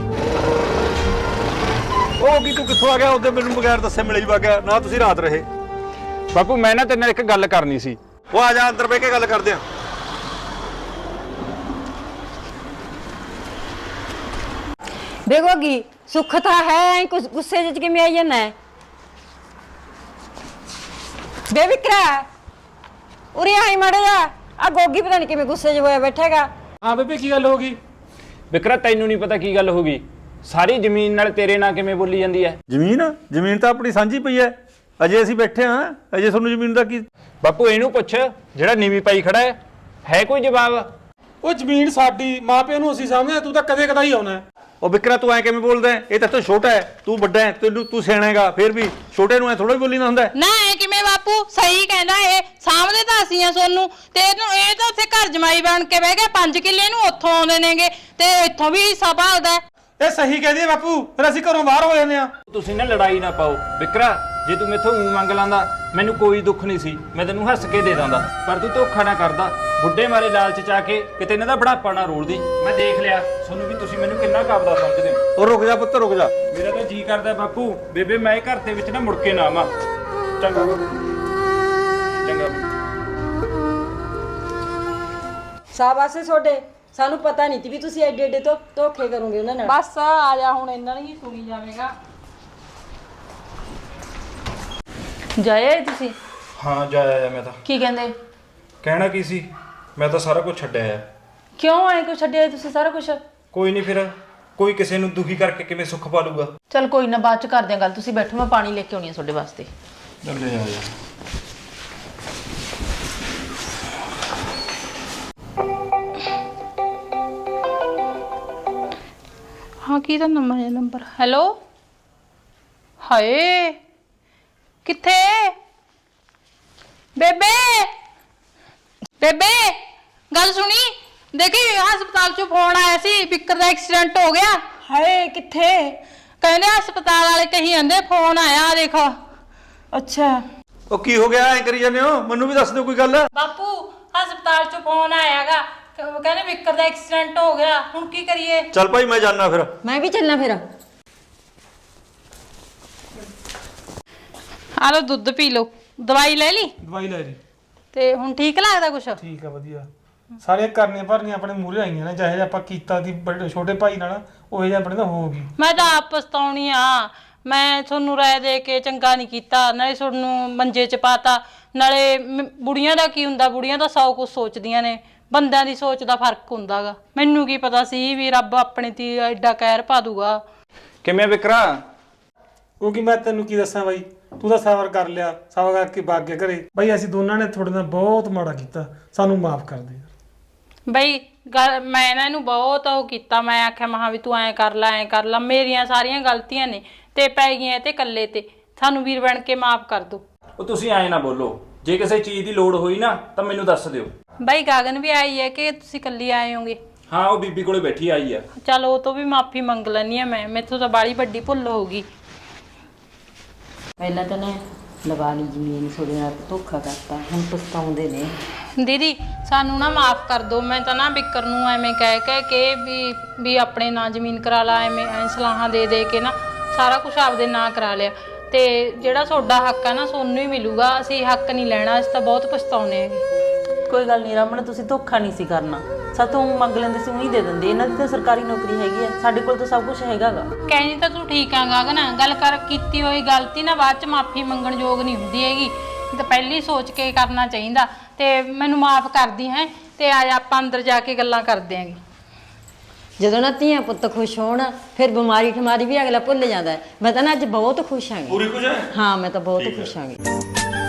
Speaker 3: ਉਹ ਕੀ ਤੂੰ ਕਿੱਥੋਂ ਆ ਗਿਆ? ਉਹਦੇ ਮੈਨੂੰ ਬਗੈਰ ਦੱਸੇ ਮਿਲੇ ਹੀ ਵਗ ਗਿਆ ਨਾ, ਤੁਸੀਂ ਰਾਤ ਰਹੇ।
Speaker 8: ਬਾਪੂ ਮੈਂ ਨਾ ਤੇਰੇ ਨਾਲ ਇੱਕ ਗੱਲ ਕਰਨੀ ਸੀ।
Speaker 3: ਉਹ ਆ ਜਾ ਅੰਦਰ ਬਹਿ ਕੇ ਗੱਲ ਕਰਦੇ ਆ।
Speaker 2: ਵੇ ਗੋਗੀ ਸੁੱਖ ਤਾਂ ਹੈ, ਕੁਛ ਗੁੱਸੇ ਜਿਹੇ ਚ ਕਿਵੇਂ ਆਈ ਜਾਂਦਾ ਹੈ? ਵੇ ਵਿਕਰਾ ਉਰੇ ਆਈ ਮਾੜਾ ਜਾ, ਆ ਗੋਗੀ ਪਤਾ ਨਹੀਂ ਕਿਵੇਂ ਗੁੱਸੇ 'ਚ ਹੋਇਆ ਬੈਠੇਗਾ।
Speaker 4: ਹਾਂ ਬੇਬੇ ਕੀ ਗੱਲ ਹੋ ਗਈ?
Speaker 8: ਵਿਕਰਾ ਤੈਨੂੰ ਨਹੀਂ ਪਤਾ ਕੀ ਗੱਲ ਹੋ ਗਈ? ਸਾਰੀ ਜ਼ਮੀਨ ਨਾਲ ਤੇਰੇ ਨਾਲ ਕਿਵੇਂ ਬੋਲੀ ਜਾਂਦੀ ਹੈ?
Speaker 3: ਜ਼ਮੀਨ ਜ਼ਮੀਨ ਤਾਂ ਆਪਣੀ ਸਾਂਝੀ ਪਈ ਐ, ਅਜੇ ਅਸੀਂ ਬੈਠੇ ਹਾਂ, ਅਜੇ ਤੁਹਾਨੂੰ ਜ਼ਮੀਨ ਦਾ ਕੀ?
Speaker 8: ਬਾਪੂ ਇਹਨੂੰ ਪੁੱਛ ਜਿਹੜਾ ਨੀਵੀਂ ਪਾਈ ਖੜਾ ਹੈ, ਹੈ ਕੋਈ ਜਵਾਬ?
Speaker 4: ਉਹ ਜ਼ਮੀਨ ਸਾਡੀ, ਮਾਂ ਪਿਓ ਨੂੰ ਅਸੀਂ ਸਾਹਮਣੇ, ਤੂੰ ਤਾਂ ਕਦੇ ਕਦਾਈ ਆਉਣਾ।
Speaker 3: ਉਹ ਵਿਕਰਾ ਤੂੰ ਐ ਕਿਵੇਂ ਬੋਲਦਾ? ਇਹ ਤਾਂ ਤੂੰ ਛੋਟਾ ਹੈ, ਤੂੰ ਵੱਡਾ ਹੈ, ਤੈਨੂੰ ਤੂੰ ਸਿਆਣਾ ਹੈਗਾ, ਫਿਰ ਵੀ ਛੋਟੇ ਨੂੰ ਐ ਥੋੜਾ ਹੀ ਬੋਲੀ ਨਾ ਹੁੰਦਾ।
Speaker 1: ਨਾ ਇਹ ਕਿਵੇਂ ਬਾਪੂ? ਸਹੀ ਕਹਿੰਦਾ ਇਹ, ਸਾਹਮਣੇ ਤਾਂ ਅਸੀਂ ਆ ਸੋਨੂੰ, ਤੇ ਇਹਨੂੰ ਇਹ ਤਾਂ ਉੱਥੇ ਘਰ ਜਮਾਈ ਬਣ ਕੇ ਬਹਿ ਗਿਆ। ਪੰਜ ਕਿੱਲੇ ਨੂੰ ਉੱਥੋਂ ਆਉਂਦੇ ਨੇਗੇ ਤੇ ਇੱਥੋਂ ਵੀ ਹਿੱਸਾ ਭਾਲਦਾ।
Speaker 4: ਇਹ ਸਹੀ ਕਹਿੰਦੀ ਹੈ ਬਾਪੂ, ਫਿਰ ਅਸੀਂ ਘਰੋਂ ਬਾਹਰ ਹੋ ਜਾਂਦੇ ਆ।
Speaker 8: ਤੁਸੀਂ ਨਾ ਲੜਾਈ ਨਾ ਪਾਓ ਵਿਕਰਾ, ਜੇ ਤੂੰ ਮੈਥੋਂ ਊਂ ਮੰਗ ਲਾਂਦਾ ਮੈਨੂੰ ਕੋਈ ਦੁੱਖ ਨਹੀਂ ਸੀ, ਮੈਂ ਤੈਨੂੰ ਹੱਸ ਕੇ ਦੇ ਦਾਂਦਾ, ਪਰ ਤੂੰ ਧੋਖਾ ਨਾ ਕਰਦਾ। ਬੁੱਢੇ ਮਾਰੇ ਲਾਲਚ ਚ ਆ ਕੇ ਕਿਤੇ ਇਹਨਾਂ ਦਾ ਬੜਾਪਾ ਨਾ ਰੋਲਦੀ। ਮੈਂ ਦੇਖ ਲਿਆ ਤੁਹਾਨੂੰ ਵੀ ਤੁਸੀਂ ਮੈਨੂੰ ਕਿੰਨਾ ਕਾਬਦਾ ਸਮਝਦੇ ਹੋ।
Speaker 3: ਉਹ ਰੁਕ ਜਾ ਪੁੱਤ ਰੁਕ ਜਾ।
Speaker 8: ਮੇਰਾ ਤਾਂ ਜੀ ਕਰਦਾ ਬਾਪੂ ਬੇਬੇ ਮੈਂ ਘਰ ਦੇ ਵਿੱਚ ਨਾ ਮੁੜ ਕੇ ਨਾ ਆਵਾਂ। ਚੰਗਾ ਚੰਗਾ
Speaker 2: ਸ਼ਾਬਾਸ਼ ਏ ਤੁਹਾਡੇ, ਸਾਨੂੰ ਪਤਾ ਨਹੀਂ ਸੀ ਵੀ ਤੁਸੀਂ ਐਡੇ ਐਡੇ ਤੋਂ ਧੋਖੇ ਕਰੋਗੇ ਉਹਨਾਂ ਨਾਲ।
Speaker 1: ਬਸ ਆ ਜਾ ਹੁਣ, ਇਹਨਾਂ ਨੂੰ ਹੀ ਸੁਣੀ ਜਾਵੇਗਾ।
Speaker 6: ਜਾਏ ਤੁਸੀਂ?
Speaker 7: ਹਾਂ ਜਾਇਆ ਮੈਂ ਤਾਂ।
Speaker 6: ਕੀ ਕਹਿੰਦੇ?
Speaker 7: ਕਹਿਣਾ ਕੀ ਸੀ, ਮੈਂ ਤਾਂ ਸਾਰਾ ਕੁਝ ਛੱਡਿਆ ਆ।
Speaker 6: ਕਿਉਂ ਐ ਕੁਛ ਛੱਡਿਆ ਤੁਸੀਂ ਸਾਰਾ ਕੁਝ?
Speaker 7: ਕੋਈ ਨਹੀਂ, ਫਿਰ ਕੋਈ ਕਿਸੇ ਨੂੰ ਦੁਖੀ ਕਰਕੇ ਕਿਵੇਂ ਸੁੱਖ ਪਾ ਲੂਗਾ।
Speaker 6: ਚਲ ਕੋਈ ਨਾ, ਬਾਅਦ ਚ ਕਰਦੇ ਆ ਗੱਲ, ਤੁਸੀਂ ਬੈਠੋ, ਮੈਂ ਪਾਣੀ ਲੈ ਕੇ ਆਉਣੀ ਆ ਤੁਹਾਡੇ ਵਾਸਤੇ।
Speaker 7: ਚੱਲੇ ਆ ਜਾ।
Speaker 1: ਹਾਂ ਕੀ ਦਾ ਨੰਬਰ ਹੈ? Number hello. ਹਾਏ ਕਿੱਥੇ ਬੇਬੇ? ਬੇਬੇ ਗੱਲ ਸੁਣੀ, ਦੇਖੀ ਹਸਪਤਾਲ ਚੋਂ ਫੋਨ ਆਇਆ ਸੀ, ਬਿੱਕਰ ਦਾ ਐਕਸੀਡੈਂਟ ਹੋ ਗਿਆ।
Speaker 2: ਹਾਏ ਕਿੱਥੇ?
Speaker 1: ਕਹਿੰਦੇ ਹਸਪਤਾਲ ਵਾਲੇ ਕਹੀ ਜਾਂਦੇ ਫੋਨ ਆਇਆ, ਦੇਖੋ।
Speaker 2: ਅੱਛਾ
Speaker 3: ਉਹ ਕੀ ਹੋ ਗਿਆ ਐ ਕਰੀ ਜਾਂਦੇ ਹੋ? ਮੈਨੂੰ ਵੀ ਦੱਸ ਦਿਓ ਕੋਈ ਗੱਲ।
Speaker 1: ਬਾਪੂ ਹਸਪਤਾਲ ਚੋਂ ਫੋਨ ਆਇਆਗਾ, ਉਹ ਕਹਿੰਦੇ ਵਿਕਰ ਦਾ ਐਕਸੀਡੈਂਟ ਹੋ ਗਿਆ, ਹੁਣ ਕੀ ਕਰੀਏ?
Speaker 3: ਚੱਲ ਭਾਈ ਮੈਂ ਜਾਣਾ ਫਿਰ।
Speaker 2: ਮੈਂ ਵੀ ਚੱਲਣਾ ਫਿਰ।
Speaker 1: ਆ ਲਓ ਦੁੱਧ ਪੀ ਲਓ। ਦਵਾਈ ਲੈ ਲਈ
Speaker 4: ਦਵਾਈ ਲੈ ਲਈ।
Speaker 1: ਤੇ ਹੁਣ ਠੀਕ ਲੱਗਦਾ ਕੁਛ?
Speaker 4: ਠੀਕ ਆ ਵਧੀਆ। ਸਾਰੀਆਂ ਕਰਨੀਆਂ ਭਰਨੀਆਂ ਆਪਣੇ ਮੂਹਰੇ ਆਈਆਂ ਨੇ, ਚਾਹੇ ਆਪਾਂ ਕੀਤਾ ਦੀ ਵੱਡੇ ਛੋਟੇ ਭਾਈ ਨਾਲ ਉਹ ਜਿਹਾ ਆਪਣੇ ਤਾਂ ਹੋਊਗੀ।
Speaker 1: ਮੈਂ ਤਾਂ ਆਪ ਪਛਤਾਉਣੀ ਆ, ਮੈਂ ਤੁਹਾਨੂੰ ਰਾਏ ਦੇ ਕੇ ਚੰਗਾ ਨਹੀਂ ਕੀਤਾ, ਨਾਲੇ ਤੁਹਾਨੂੰ ਮੰਜੇ 'ਚ ਪਾਤਾ, ਨਾਲੇ ਮ- ਬੁੜੀਆਂ ਦਾ ਕੀ ਹੁੰਦਾ, ਬੁੜੀਆਂ ਤਾਂ ਸੌ ਕੁਛ ਸੋਚਦੀਆਂ ਨੇ, ਬੰਦਿਆਂ ਦੀ ਸੋਚ ਦਾ ਫਰਕ ਹੁੰਦਾਗਾ। ਮੈਨੂੰ ਕੀ ਪਤਾ ਸੀ ਵੀ ਰੱਬ ਆਪਣੇ ਤੇ ਐਡਾ ਕਹਿਰ ਪਾ ਦੂਗਾ।
Speaker 8: ਕਿਵੇਂ ਵਿਕਰਾ?
Speaker 4: ਕਿਉਂਕਿ ਮੈਂ ਤੈਨੂੰ ਕੀ ਦੱਸਾਂ ਬਾਈ, ਤੂੰ ਤਾਂ ਸਬਰ ਕਰ ਲਿਆ, ਸਬਰ ਕਰਕੇ ਵਗ ਗਿਆ ਘਰੇ। ਬਾਈ ਅਸੀਂ ਦੋਨਾਂ ਨੇ ਤੁਹਾਡੇ ਨਾਲ ਬਹੁਤ ਮਾੜਾ ਕੀਤਾ, ਸਾਨੂੰ ਮਾਫ ਕਰ ਦੇ।
Speaker 1: ਬਈ ਗੱਲ ਮੈਂ ਨਾ ਇਹਨੂੰ ਬਹੁਤ ਉਹ ਕੀਤਾ, ਮੈਂ ਆਖਿਆ ਮਹਾ ਵੀ ਤੂੰ ਐਂ ਕਰ ਲੈ ਐਂ ਕਰ ਲੈ, ਮੇਰੀਆਂ ਸਾਰੀਆਂ ਗਲਤੀਆਂ ਨੇ ਤੇ ਪੈ ਗਈਆਂ ਤੇ ਇਕੱਲੇ ਤੇ, ਸਾਨੂੰ ਵੀਰ ਬਣ ਕੇ ਮਾਫ ਕਰ ਦੋ।
Speaker 8: ਉਹ ਤੁਸੀਂ ਐਂ ਨਾ ਬੋਲੋ, ਜੇ ਕਿਸੇ ਚੀਜ਼ ਦੀ ਲੋੜ ਹੋਈ ਨਾ ਤਾਂ ਮੈਨੂੰ ਦੱਸ ਦਿਓ।
Speaker 1: ਬਈ ਗਗਨ ਵੀ ਆਈ ਹੈ ਕਿ ਤੁਸੀਂ ਇਕੱਲੀ ਆਏ ਹੋਗੇ?
Speaker 8: ਹਾਂ ਉਹ ਬੀਬੀ ਕੋਲੇ ਬੈਠੀ ਆਈ ਆ।
Speaker 1: ਚਲ ਉਹ ਤੋਂ ਵੀ ਮਾਫੀ ਮੰਗ ਲੈਣੀ ਆ ਮੈਂ, ਮੈਥੋਂ ਤਾਂ ਬਾਲੀ ਵੱਡੀ ਭੁੱਲ ਹੋ ਗਈ।
Speaker 2: ਪਹਿਲਾਂ ਤਾਂ ਨਾ ਲਵਾ ਲਈ ਜ਼ਮੀਨ, ਤੁਹਾਡੇ ਨਾਲ ਧੋਖਾ ਕਰਤਾ, ਹੁਣ ਪਛਤਾਉਂਦੇ ਨੇ।
Speaker 1: ਦੀਦੀ ਸਾਨੂੰ ਨਾ ਮਾਫ ਕਰ ਦਿਓ, ਮੈਂ ਤਾਂ ਨਾ ਬਿੱਕਰ ਨੂੰ ਐਵੇਂ ਕਹਿ ਕਹਿ ਕੇ ਵੀ ਵੀ ਆਪਣੇ ਨਾਂ ਜ਼ਮੀਨ ਕਰਾ ਲਾ, ਐਵੇਂ ਐ ਸਲਾਹਾਂ ਦੇ ਦੇ ਕੇ ਨਾ ਸਾਰਾ ਕੁਝ ਆਪਦੇ ਨਾਂ ਕਰਾ ਲਿਆ, ਤੇ ਜਿਹੜਾ ਤੁਹਾਡਾ ਹੱਕ ਆ ਨਾ ਤੁਹਾਨੂੰ ਹੀ ਮਿਲੂਗਾ, ਅਸੀਂ ਹੱਕ ਨਹੀਂ ਲੈਣਾ, ਅਸੀਂ ਤਾਂ ਬਹੁਤ ਪਛਤਾਉਨੇ ਹੈਗੇ।
Speaker 9: ਕੋਈ ਗੱਲ ਨਹੀਂ ਰਮਨ, ਤੁਸੀਂ ਧੋਖਾ ਨਹੀਂ ਸੀ ਕਰਨਾ, ਸਾਥੋਂ ਮੰਗ ਲੈਂਦੇ ਸੀ ਉਹੀ ਦੇ ਦਿੰਦੇ। ਇਹਨਾਂ ਦੀ ਤਾਂ ਸਰਕਾਰੀ ਨੌਕਰੀ ਹੈਗੀ ਆ, ਸਾਡੇ ਕੋਲ ਤਾਂ ਸਭ ਕੁਝ ਹੈਗਾਗਾ।
Speaker 1: ਕਹਿੰਦੀ ਤਾਂ ਤੂੰ ਠੀਕ ਆ ਗਗਨ, ਗੱਲ ਕਰ ਕੀਤੀ ਹੋਈ ਗਲਤੀ ਨਾ ਬਾਅਦ ਚ ਮਾਫੀ ਮੰਗਣ ਯੋਗ ਨਹੀਂ ਹੁੰਦੀ ਹੈਗੀ, ਤਾਂ ਪਹਿਲੀ ਸੋਚ ਕੇ ਕਰਨਾ ਚਾਹੀਦਾ। ਤੇ ਮੈਨੂੰ ਮਾਫ ਕਰਦੀ ਹੈ, ਤੇ ਆ ਜਾ ਆਪਾਂ ਅੰਦਰ ਜਾ ਕੇ ਗੱਲਾਂ ਕਰਦੇ ਆਂਗੇ।
Speaker 2: ਜਦੋਂ ਨਾ ਧੀਆਂ ਪੁੱਤ ਖੁਸ਼ ਹੋਣ ਫਿਰ ਬਿਮਾਰੀ ਠਮਾਰੀ ਵੀ ਅਗਲਾ ਭੁੱਲ ਜਾਂਦਾ ਹੈ। ਮੈਂ ਤਾਂ ਨਾ ਅੱਜ ਬਹੁਤ ਖੁਸ਼ ਆਂਗੀ।
Speaker 3: ਪੂਰੀ ਕੁਝ ਹੈ?
Speaker 2: ਹਾਂ ਮੈਂ ਤਾਂ ਬਹੁਤ ਖੁਸ਼ ਆਂਗੀ।